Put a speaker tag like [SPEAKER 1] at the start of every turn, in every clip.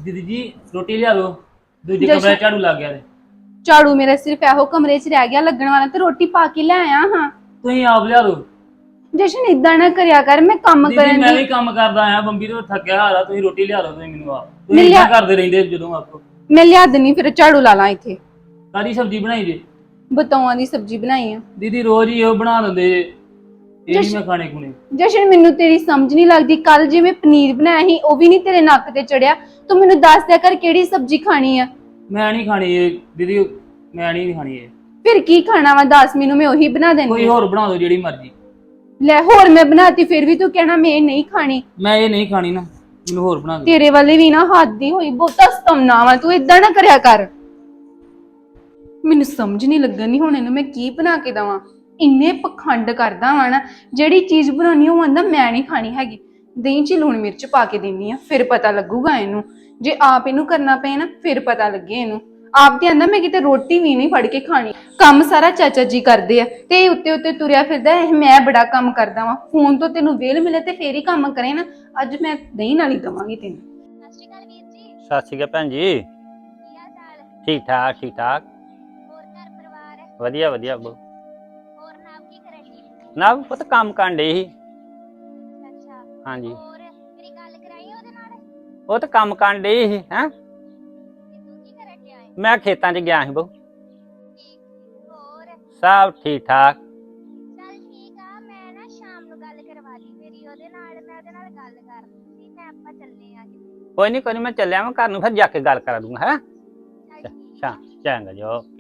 [SPEAKER 1] दीदी जी रोटी लिया दो दूजे कमरे झाड़ू लग गया
[SPEAKER 2] झाड़ू मेरा सिर्फ एहो कमरे च रह गया लगन वाला ते रोटी पा के ले आया हां
[SPEAKER 1] तुम आप लिया दो
[SPEAKER 2] जशन इदा ना करया कर मैं काम करन
[SPEAKER 1] मैं
[SPEAKER 2] दी
[SPEAKER 1] भी काम करदा आया बंबी तो थकिया हारा तुम रोटी लिया दो तुम मेनू आप तुम इतना करदे रहंदे जदों आपको
[SPEAKER 2] मैं लिया दनी फिर झाड़ू ला ला इथे
[SPEAKER 1] कादी सब्जी बनाई जी
[SPEAKER 2] बताऊं दी सब्जी बनाई है
[SPEAKER 1] दीदी रोज ही वो बना देंदे ये नहीं मैं खाने खुने
[SPEAKER 2] जशन मेनू तेरी समझ नहीं लगदी कल जिवें पनीर बनाया ही ओ भी नहीं तेरे नक ते चढ़िया तू मेनू दस दिया कर केड़ी सब्जी खानी है
[SPEAKER 1] मैं नहीं खानी ये दीदी मैं नहीं खानी ये
[SPEAKER 2] फिर की खाना वा दस मेनू मैं वही बना देनी
[SPEAKER 1] कोई और बना दो जेड़ी मर्जी
[SPEAKER 2] ले होर मैं बनाती फिर भी तू कहना मैं नहीं खानी
[SPEAKER 1] मैं ये नहीं खानी ना मैनू होर बना दो
[SPEAKER 2] तेरे वाले भी ना हद ही होई बहुता सतमना वा तू इदा ना करया कर ਮੈਨੂੰ ਸਮਝ ਨਹੀਂ ਲੱਗਣੀ ਹੁਣ ਇਹਨੂੰ ਮੈਂ ਕੀ ਬਣਾ ਕੇ ਦਵਾਂ ਇੰਨੇ ਪਖੰਡ ਕਰਦਾ ਵਾ ਨਾ ਜਿਹੜੀ ਚੀਜ਼ ਬਣਾਉਣੀ ਉਹ ਆਂਦਾ ਮੈਂ ਨਹੀਂ ਖਾਣੀ ਹੈਗੀ ਦਹੀਂ 'ਚ ਲੂਣ ਮਿਰਚ ਪਾ ਕੇ ਦਿੰਨੀ ਆ ਫਿਰ ਪਤਾ ਲੱਗੂਗਾ ਇਹਨੂੰ ਜੇ ਆਪ ਇਹਨੂੰ ਕਰਨਾ ਪਏ ਨਾ ਫਿਰ ਪਤਾ ਲੱਗੇ ਇਹਨੂੰ ਆਪ ਤੇ ਆਂਦਾ ਮੈਂ ਕਿਤੇ ਰੋਟੀ ਵੀ ਨਹੀਂ ਫੜ ਕੇ ਖਾਣੀ ਕੰਮ ਸਾਰਾ ਚਾਚਾ ਜੀ ਕਰਦੇ ਆ ਤੇ ਉੱਤੇ ਉੱਤੇ ਤੁਰਿਆ ਫਿਰਦਾ ਮੈਂ ਬੜਾ ਕੰਮ ਕਰਦਾ ਵਾਂ ਫੋਨ ਤੋਂ ਤੈਨੂੰ ਵੇਲ ਮਿਲੇ ਤੇ ਫੇਰ ਹੀ ਕੰਮ ਕਰੇ ਨਾ ਅੱਜ ਮੈਂ ਦਹੀਂ ਨਾਲ ਹੀ ਦਵਾਂਗੀ ਤੈਨੂੰ
[SPEAKER 3] ਸਤਿ ਸ਼੍ਰੀ ਅਕਾਲ ਵੀਰ ਜੀ
[SPEAKER 4] ਸਤਿ ਸ਼੍ਰੀ ਅਕਾਲ ਭੈਣ ਜੀ
[SPEAKER 3] ਕੀ ਹਾਲ ਚਾਲ
[SPEAKER 4] ਠੀਕ ਠਾਕ ਠੀਕ ਠਾਕ
[SPEAKER 3] ਹੋਰ ਘਰ ਪਰਿਵਾਰ
[SPEAKER 4] ਵਧੀਆ ਵਧੀਆ ਬੋ
[SPEAKER 3] ਹੋਰ ਨਾਮ ਕੀ ਕਰੇ ਜੀ
[SPEAKER 4] ਨਾ ਪੁੱਤ ਕੰਮ ਕਰਨ ਡੇ ਸੀ
[SPEAKER 3] ਅੱਛਾ
[SPEAKER 4] ਹਾਂਜੀ
[SPEAKER 3] ਹੋਰ ਮੇਰੀ ਗੱਲ ਕਰਾਈ ਉਹਦੇ ਨਾਲ
[SPEAKER 4] ਉਹ ਤਾਂ ਕੰਮ ਕਰਨ ਡੇ ਸੀ ਹੈ
[SPEAKER 3] ਤੇ ਤੂੰ ਕੀ ਕਰਨ ਡਿਆ ਏ
[SPEAKER 4] ਮੈਂ ਖੇਤਾਂ 'ਚ ਗਿਆ ਸੀ ਬੋ
[SPEAKER 3] ਠੀਕ ਹੋਰ
[SPEAKER 4] ਸਭ ਠੀਕ ਠਾਕ
[SPEAKER 3] ਚੱਲ ਠੀਕ ਆ ਮੈਂ ਨਾ ਸ਼ਾਮ ਨੂੰ ਗੱਲ ਕਰਵਾ ਲਈ ਮੇਰੀ ਉਹਦੇ ਨਾਲ ਮੈਂ ਉਹਦੇ ਨਾਲ ਗੱਲ ਕਰਨੀ ਸੀ ਮੈਂ ਆਪਾਂ ਚੱਲੇ ਆ ਕਿਤੇ
[SPEAKER 4] ਕੋਈ ਨਹੀਂ ਮੈਂ ਚੱਲਿਆ ਮੈਂ ਘਰ ਨੂੰ ਫਿਰ ਜਾ ਕੇ ਗੱਲ ਕਰਾ ਦੂੰਗਾ ਹੈ
[SPEAKER 3] ਚੱਲ ਠੀਕ
[SPEAKER 4] ਸ਼ਾਮ ਚੰਗਾ ਜੀ ਓਕੇ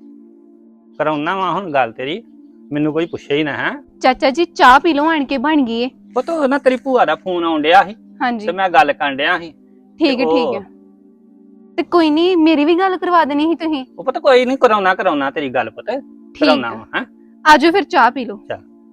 [SPEAKER 4] ਕਰਾਉਣਾ ਵਾ ਹੁਣ ਗੱਲ ਤੇਰੀ ਮੈਨੂੰ ਕੋਈ ਪੁੱਛੇ ਹੀ ਨਾ ਹੈ
[SPEAKER 2] ਚਾਚਾ ਜੀ ਚਾਹ ਪੀ ਲਓ ਆਣ ਕੇ ਬਣ ਗਈ ਏ
[SPEAKER 4] ਉਹ ਤਾਂ ਨਾ ਤੇਰੀ ਭੂਆ ਦਾ ਫੋਨ ਆਉਣ ਡਿਆ ਸੀ
[SPEAKER 2] ਹਾਂਜੀ
[SPEAKER 4] ਤੇ ਮੈਂ ਗੱਲ ਕਰਨ ਡਿਆ ਸੀ
[SPEAKER 2] ਠੀਕ ਹੈ ਤੇ ਕੋਈ ਨਹੀਂ ਮੇਰੀ ਵੀ ਗੱਲ ਕਰਵਾ ਦੇਣੀ ਸੀ ਤੁਸੀਂ
[SPEAKER 4] ਉਹ ਪਤਾ ਕੋਈ ਨਹੀਂ ਕਰਾਉਣਾ ਤੇਰੀ ਗੱਲ ਪੁੱਤ ਕਰਾਉਣਾ ਵਾ ਹੈ
[SPEAKER 2] ਆਜੋ ਫਿਰ ਚਾਹ ਪੀ ਲਓ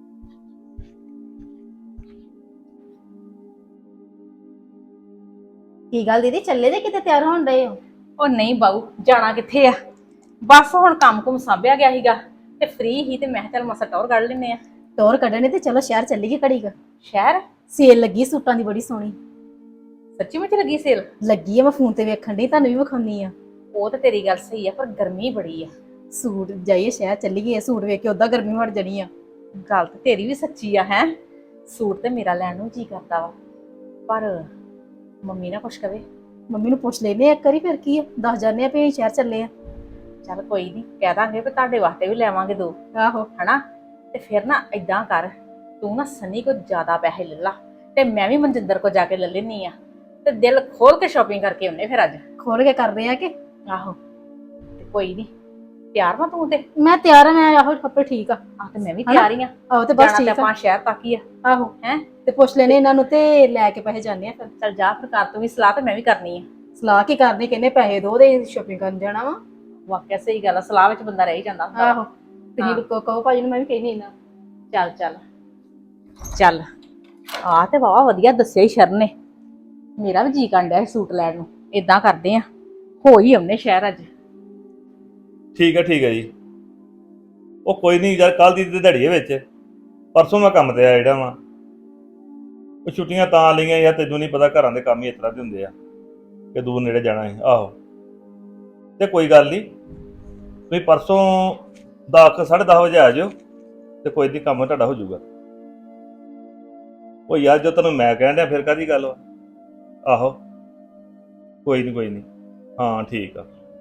[SPEAKER 5] ਕੀ ਗੱਲ ਦੀਦੀ ਚੱਲੇ ਜੇ ਕਿਤੇ ਤਿਆਰ ਹੋਣ ਰਹੇ ਹੋ
[SPEAKER 6] ਉਹ ਨਹੀਂ ਬਾਊ ਜਾਣਾ ਕਿੱਥੇ ਆ ਬਸ ਹੁਣ ਕੰਮ ਕੁਮ ਸਾਂਭਿਆ ਗਿਆ ਸੀਗਾ ਤੇ ਫ੍ਰੀ ਹੀ ਤੇ ਮੈਂ ਕਿਹਾ ਚੱਲ ਮਸਾ ਟੌਰ ਕੱਢ ਲੈਨੇ ਆ
[SPEAKER 5] ਟੌਰ ਕੱਢਣੇ ਤੇ ਚਲੋ ਸ਼ਹਿਰ ਚੱਲੀਏ ਘੜੀ ਕ
[SPEAKER 6] ਸ਼ਹਿਰ
[SPEAKER 5] ਸੇਲ ਲੱਗੀ ਸੂਟਾਂ ਦੀ ਬੜੀ ਸੋਹਣੀ
[SPEAKER 6] ਸੱਚੀ ਮੁੱਚ ਲੱਗੀ ਸੇਲ
[SPEAKER 5] ਲੱਗੀ ਆ ਮੈਂ ਫੋਨ ਤੇ ਵੇਖਣ ਡਈ ਤੁਹਾਨੂੰ ਵੀ ਵਿਖਾਉਣੀ ਆ
[SPEAKER 6] ਉਹ ਤਾਂ ਤੇਰੀ ਗੱਲ ਸਹੀ ਆ ਪਰ ਗਰਮੀ ਬੜੀ ਆ
[SPEAKER 5] ਸੂਟ ਜਾਈਏ ਸ਼ਹਿਰ ਚੱਲੀਏ ਸੂਟ ਵੇਖ ਕੇ ਉਦਾਂ ਗਰਮੀ ਵੜ ਜਾਣੀ ਆ
[SPEAKER 6] ਗੱਲ ਤੇ ਤੇਰੀ ਵੀ ਸੱਚੀ ਆ ਹੈ ਸੂਟ ਤੇ ਮੇਰਾ ਲੈਣ ਨੂੰ ਜੀ ਕਰਦਾ ਵਾ ਪਰ ਮੰਮੀ ਨਾ ਕੁਛ ਕਵੇ
[SPEAKER 5] ਮੰਮੀ ਨੂੰ ਪੁੱਛ ਲੈਨੇ ਇੱਕ ਵਾਰੀ ਫਿਰ ਕੀ ਆ ਦੱਸ ਜਾਂਦੇ ਆ ਵੀ ਅਸੀਂ ਸ਼ਹਿਰ ਚੱਲੇ ਆ
[SPEAKER 6] ਚੱਲ ਕੋਈ ਨਹੀਂ ਕਹਿ ਦਾਂਗੇ ਵੀ ਤੁਹਾਡੇ ਵਾਸਤੇ ਵੀ ਲੈਵਾਂਗੇ ਦੋ
[SPEAKER 5] ਆਹੋ
[SPEAKER 6] ਹਨਾ ਤੇ ਫਿਰ ਨਾ ਏਦਾਂ ਕਰ ਤੂੰ ਨਾ ਸਨੀ ਕੋ ਜ਼ਿਆਦਾ ਪੈਸੇ ਲੈ ਲਾ ਤੇ ਮੈਂ ਵੀ ਮਨਜਿੰਦਰ ਕੋ ਜਾ ਕੇ ਲੈ ਲੈਣੀ ਆ ਤੇ ਦਿਲ ਖੋਲ ਕੇ ਸ਼ਾਪਿੰਗ ਕਰਕੇ ਆਉਨੇ ਫਿਰ ਅੱਜ
[SPEAKER 5] ਖੋਲ ਕੇ ਕਰਦੇ ਆ ਕਿ
[SPEAKER 6] ਆਹੋ ਤੇ ਕੋਈ ਨਹੀਂ ਤਿਆਰ ਵਾ ਤੂੰ ਤੇ
[SPEAKER 5] ਮੈਂ ਤਿਆਰ ਆ ਮੈਂ ਆਹੋ ਕੱਪੜੇ ਠੀਕ ਆ
[SPEAKER 6] ਆ ਤੇ ਮੈਂ ਵੀ ਤਿਆਰ ਹੀ ਆ
[SPEAKER 5] ਆਹੋ ਤੇ ਬਸ
[SPEAKER 6] ਜਾਣਾ ਤੇ
[SPEAKER 5] ਠੀਕ ਆ
[SPEAKER 6] ਆਪਾਂ ਸ਼ਹਿਰ ਤੱਕ ਹੀ ਆ
[SPEAKER 5] ਆਹੋ
[SPEAKER 6] ਹੈ
[SPEAKER 5] ਤੇ ਪੁੱਛ ਲੈਨੇ ਇਹਨਾਂ ਨੂੰ ਤੇ ਲੈ ਕੇ ਪੈਸੇ ਜਾਂਦੇ ਆ ਫਿਰ
[SPEAKER 6] ਚੱਲ ਜਾ ਫਿਰ ਕਰ ਤੂੰ ਵੀ ਸਲਾਹ ਤੇ ਮੈਂ ਵੀ ਕਰਨੀ ਆ
[SPEAKER 5] ਸਲਾਹ ਕੀ ਕਰਨੀ ਕਹਿੰਦੇ ਪੈਸੇ ਦੋ ਦੇ ਸ਼ਾਪਿੰਗ ਕਰਨ ਜਾਣਾ ਵਾ
[SPEAKER 6] ਵਾਕਿਆ ਸਹੀ ਗੱਲ ਆ ਸਲਾਹ ਵਿੱਚ ਬੰਦਾ ਰਹਿ ਹੀ ਜਾਂਦਾ ਹੁੰਦਾ।
[SPEAKER 5] ਆਹੋ ਤੁਸੀਂ ਕਹੋ ਭਾਜੀ ਨੂੰ ਮੈਂ ਵੀ ਕਹਿਨੀ ਨਾ
[SPEAKER 6] ਚੱਲ ਚੱਲ ਚੱਲ ਆ ਤੇ ਵਾਵਾ ਵਧੀਆ ਦੱਸਿਆ ਹੀ ਸ਼ਰਨ ਨੇ ਮੇਰਾ ਵੀ ਜੀ ਕਰਨ ਡਿਆ ਸੀ ਸੂਟ ਲੈਣ ਨੂੰ ਏਦਾਂ ਕਰਦੇ ਆ ਹੋ ਹੀ ਆਉਨੇ ਸ਼ਹਿਰ ਅੱਜ
[SPEAKER 7] ਠੀਕ ਹੈ ਜੀ ਉਹ ਕੋਈ ਨਹੀਂ ਯਾਰ ਕੱਲ ਦੀ ਤੇ ਦਿਹਾੜੀ ਵਿੱਚ ਪਰਸੋਂ ਮੈਂ ਕੰਮ ਤੇ ਆਇਆ ਜਿਹੜਾ ਵਾ ਉਹ ਛੁੱਟੀਆਂ ਤਾਂ ਲਈਆਂ ਯਾਰ ਤੈਨੂੰ ਨਹੀਂ ਪਤਾ ਘਰਾਂ ਦੇ ਕੰਮ ਹੀ ਇਸ ਤਰ੍ਹਾਂ ਦੇ ਹੁੰਦੇ ਆ ਕਿ ਦੂਰ ਨੇੜੇ ਜਾਣਾ ਹੈ ਆਹੋ ਤੇ ਕੋਈ ਗੱਲ ਨਹੀਂ ਤੁਸੀਂ ਪਰਸੋਂ 10:30 ਵਜੇ ਆ ਜਾਓ ਤੇ ਕੋਈ ਨਹੀਂ ਕੰਮ ਤੁਹਾਡਾ ਹੋ ਜਾਊਗਾ ਉਹ ਯਾਰ ਜੋ ਤੈਨੂੰ ਮੈਂ ਕਹਿਣ ਡਿਆ ਫਿਰ ਕਾਹਦੀ ਗੱਲ ਵਾ ਆਹੋ ਕੋਈ ਨਹੀਂ ਹਾਂ ਠੀਕ ਆ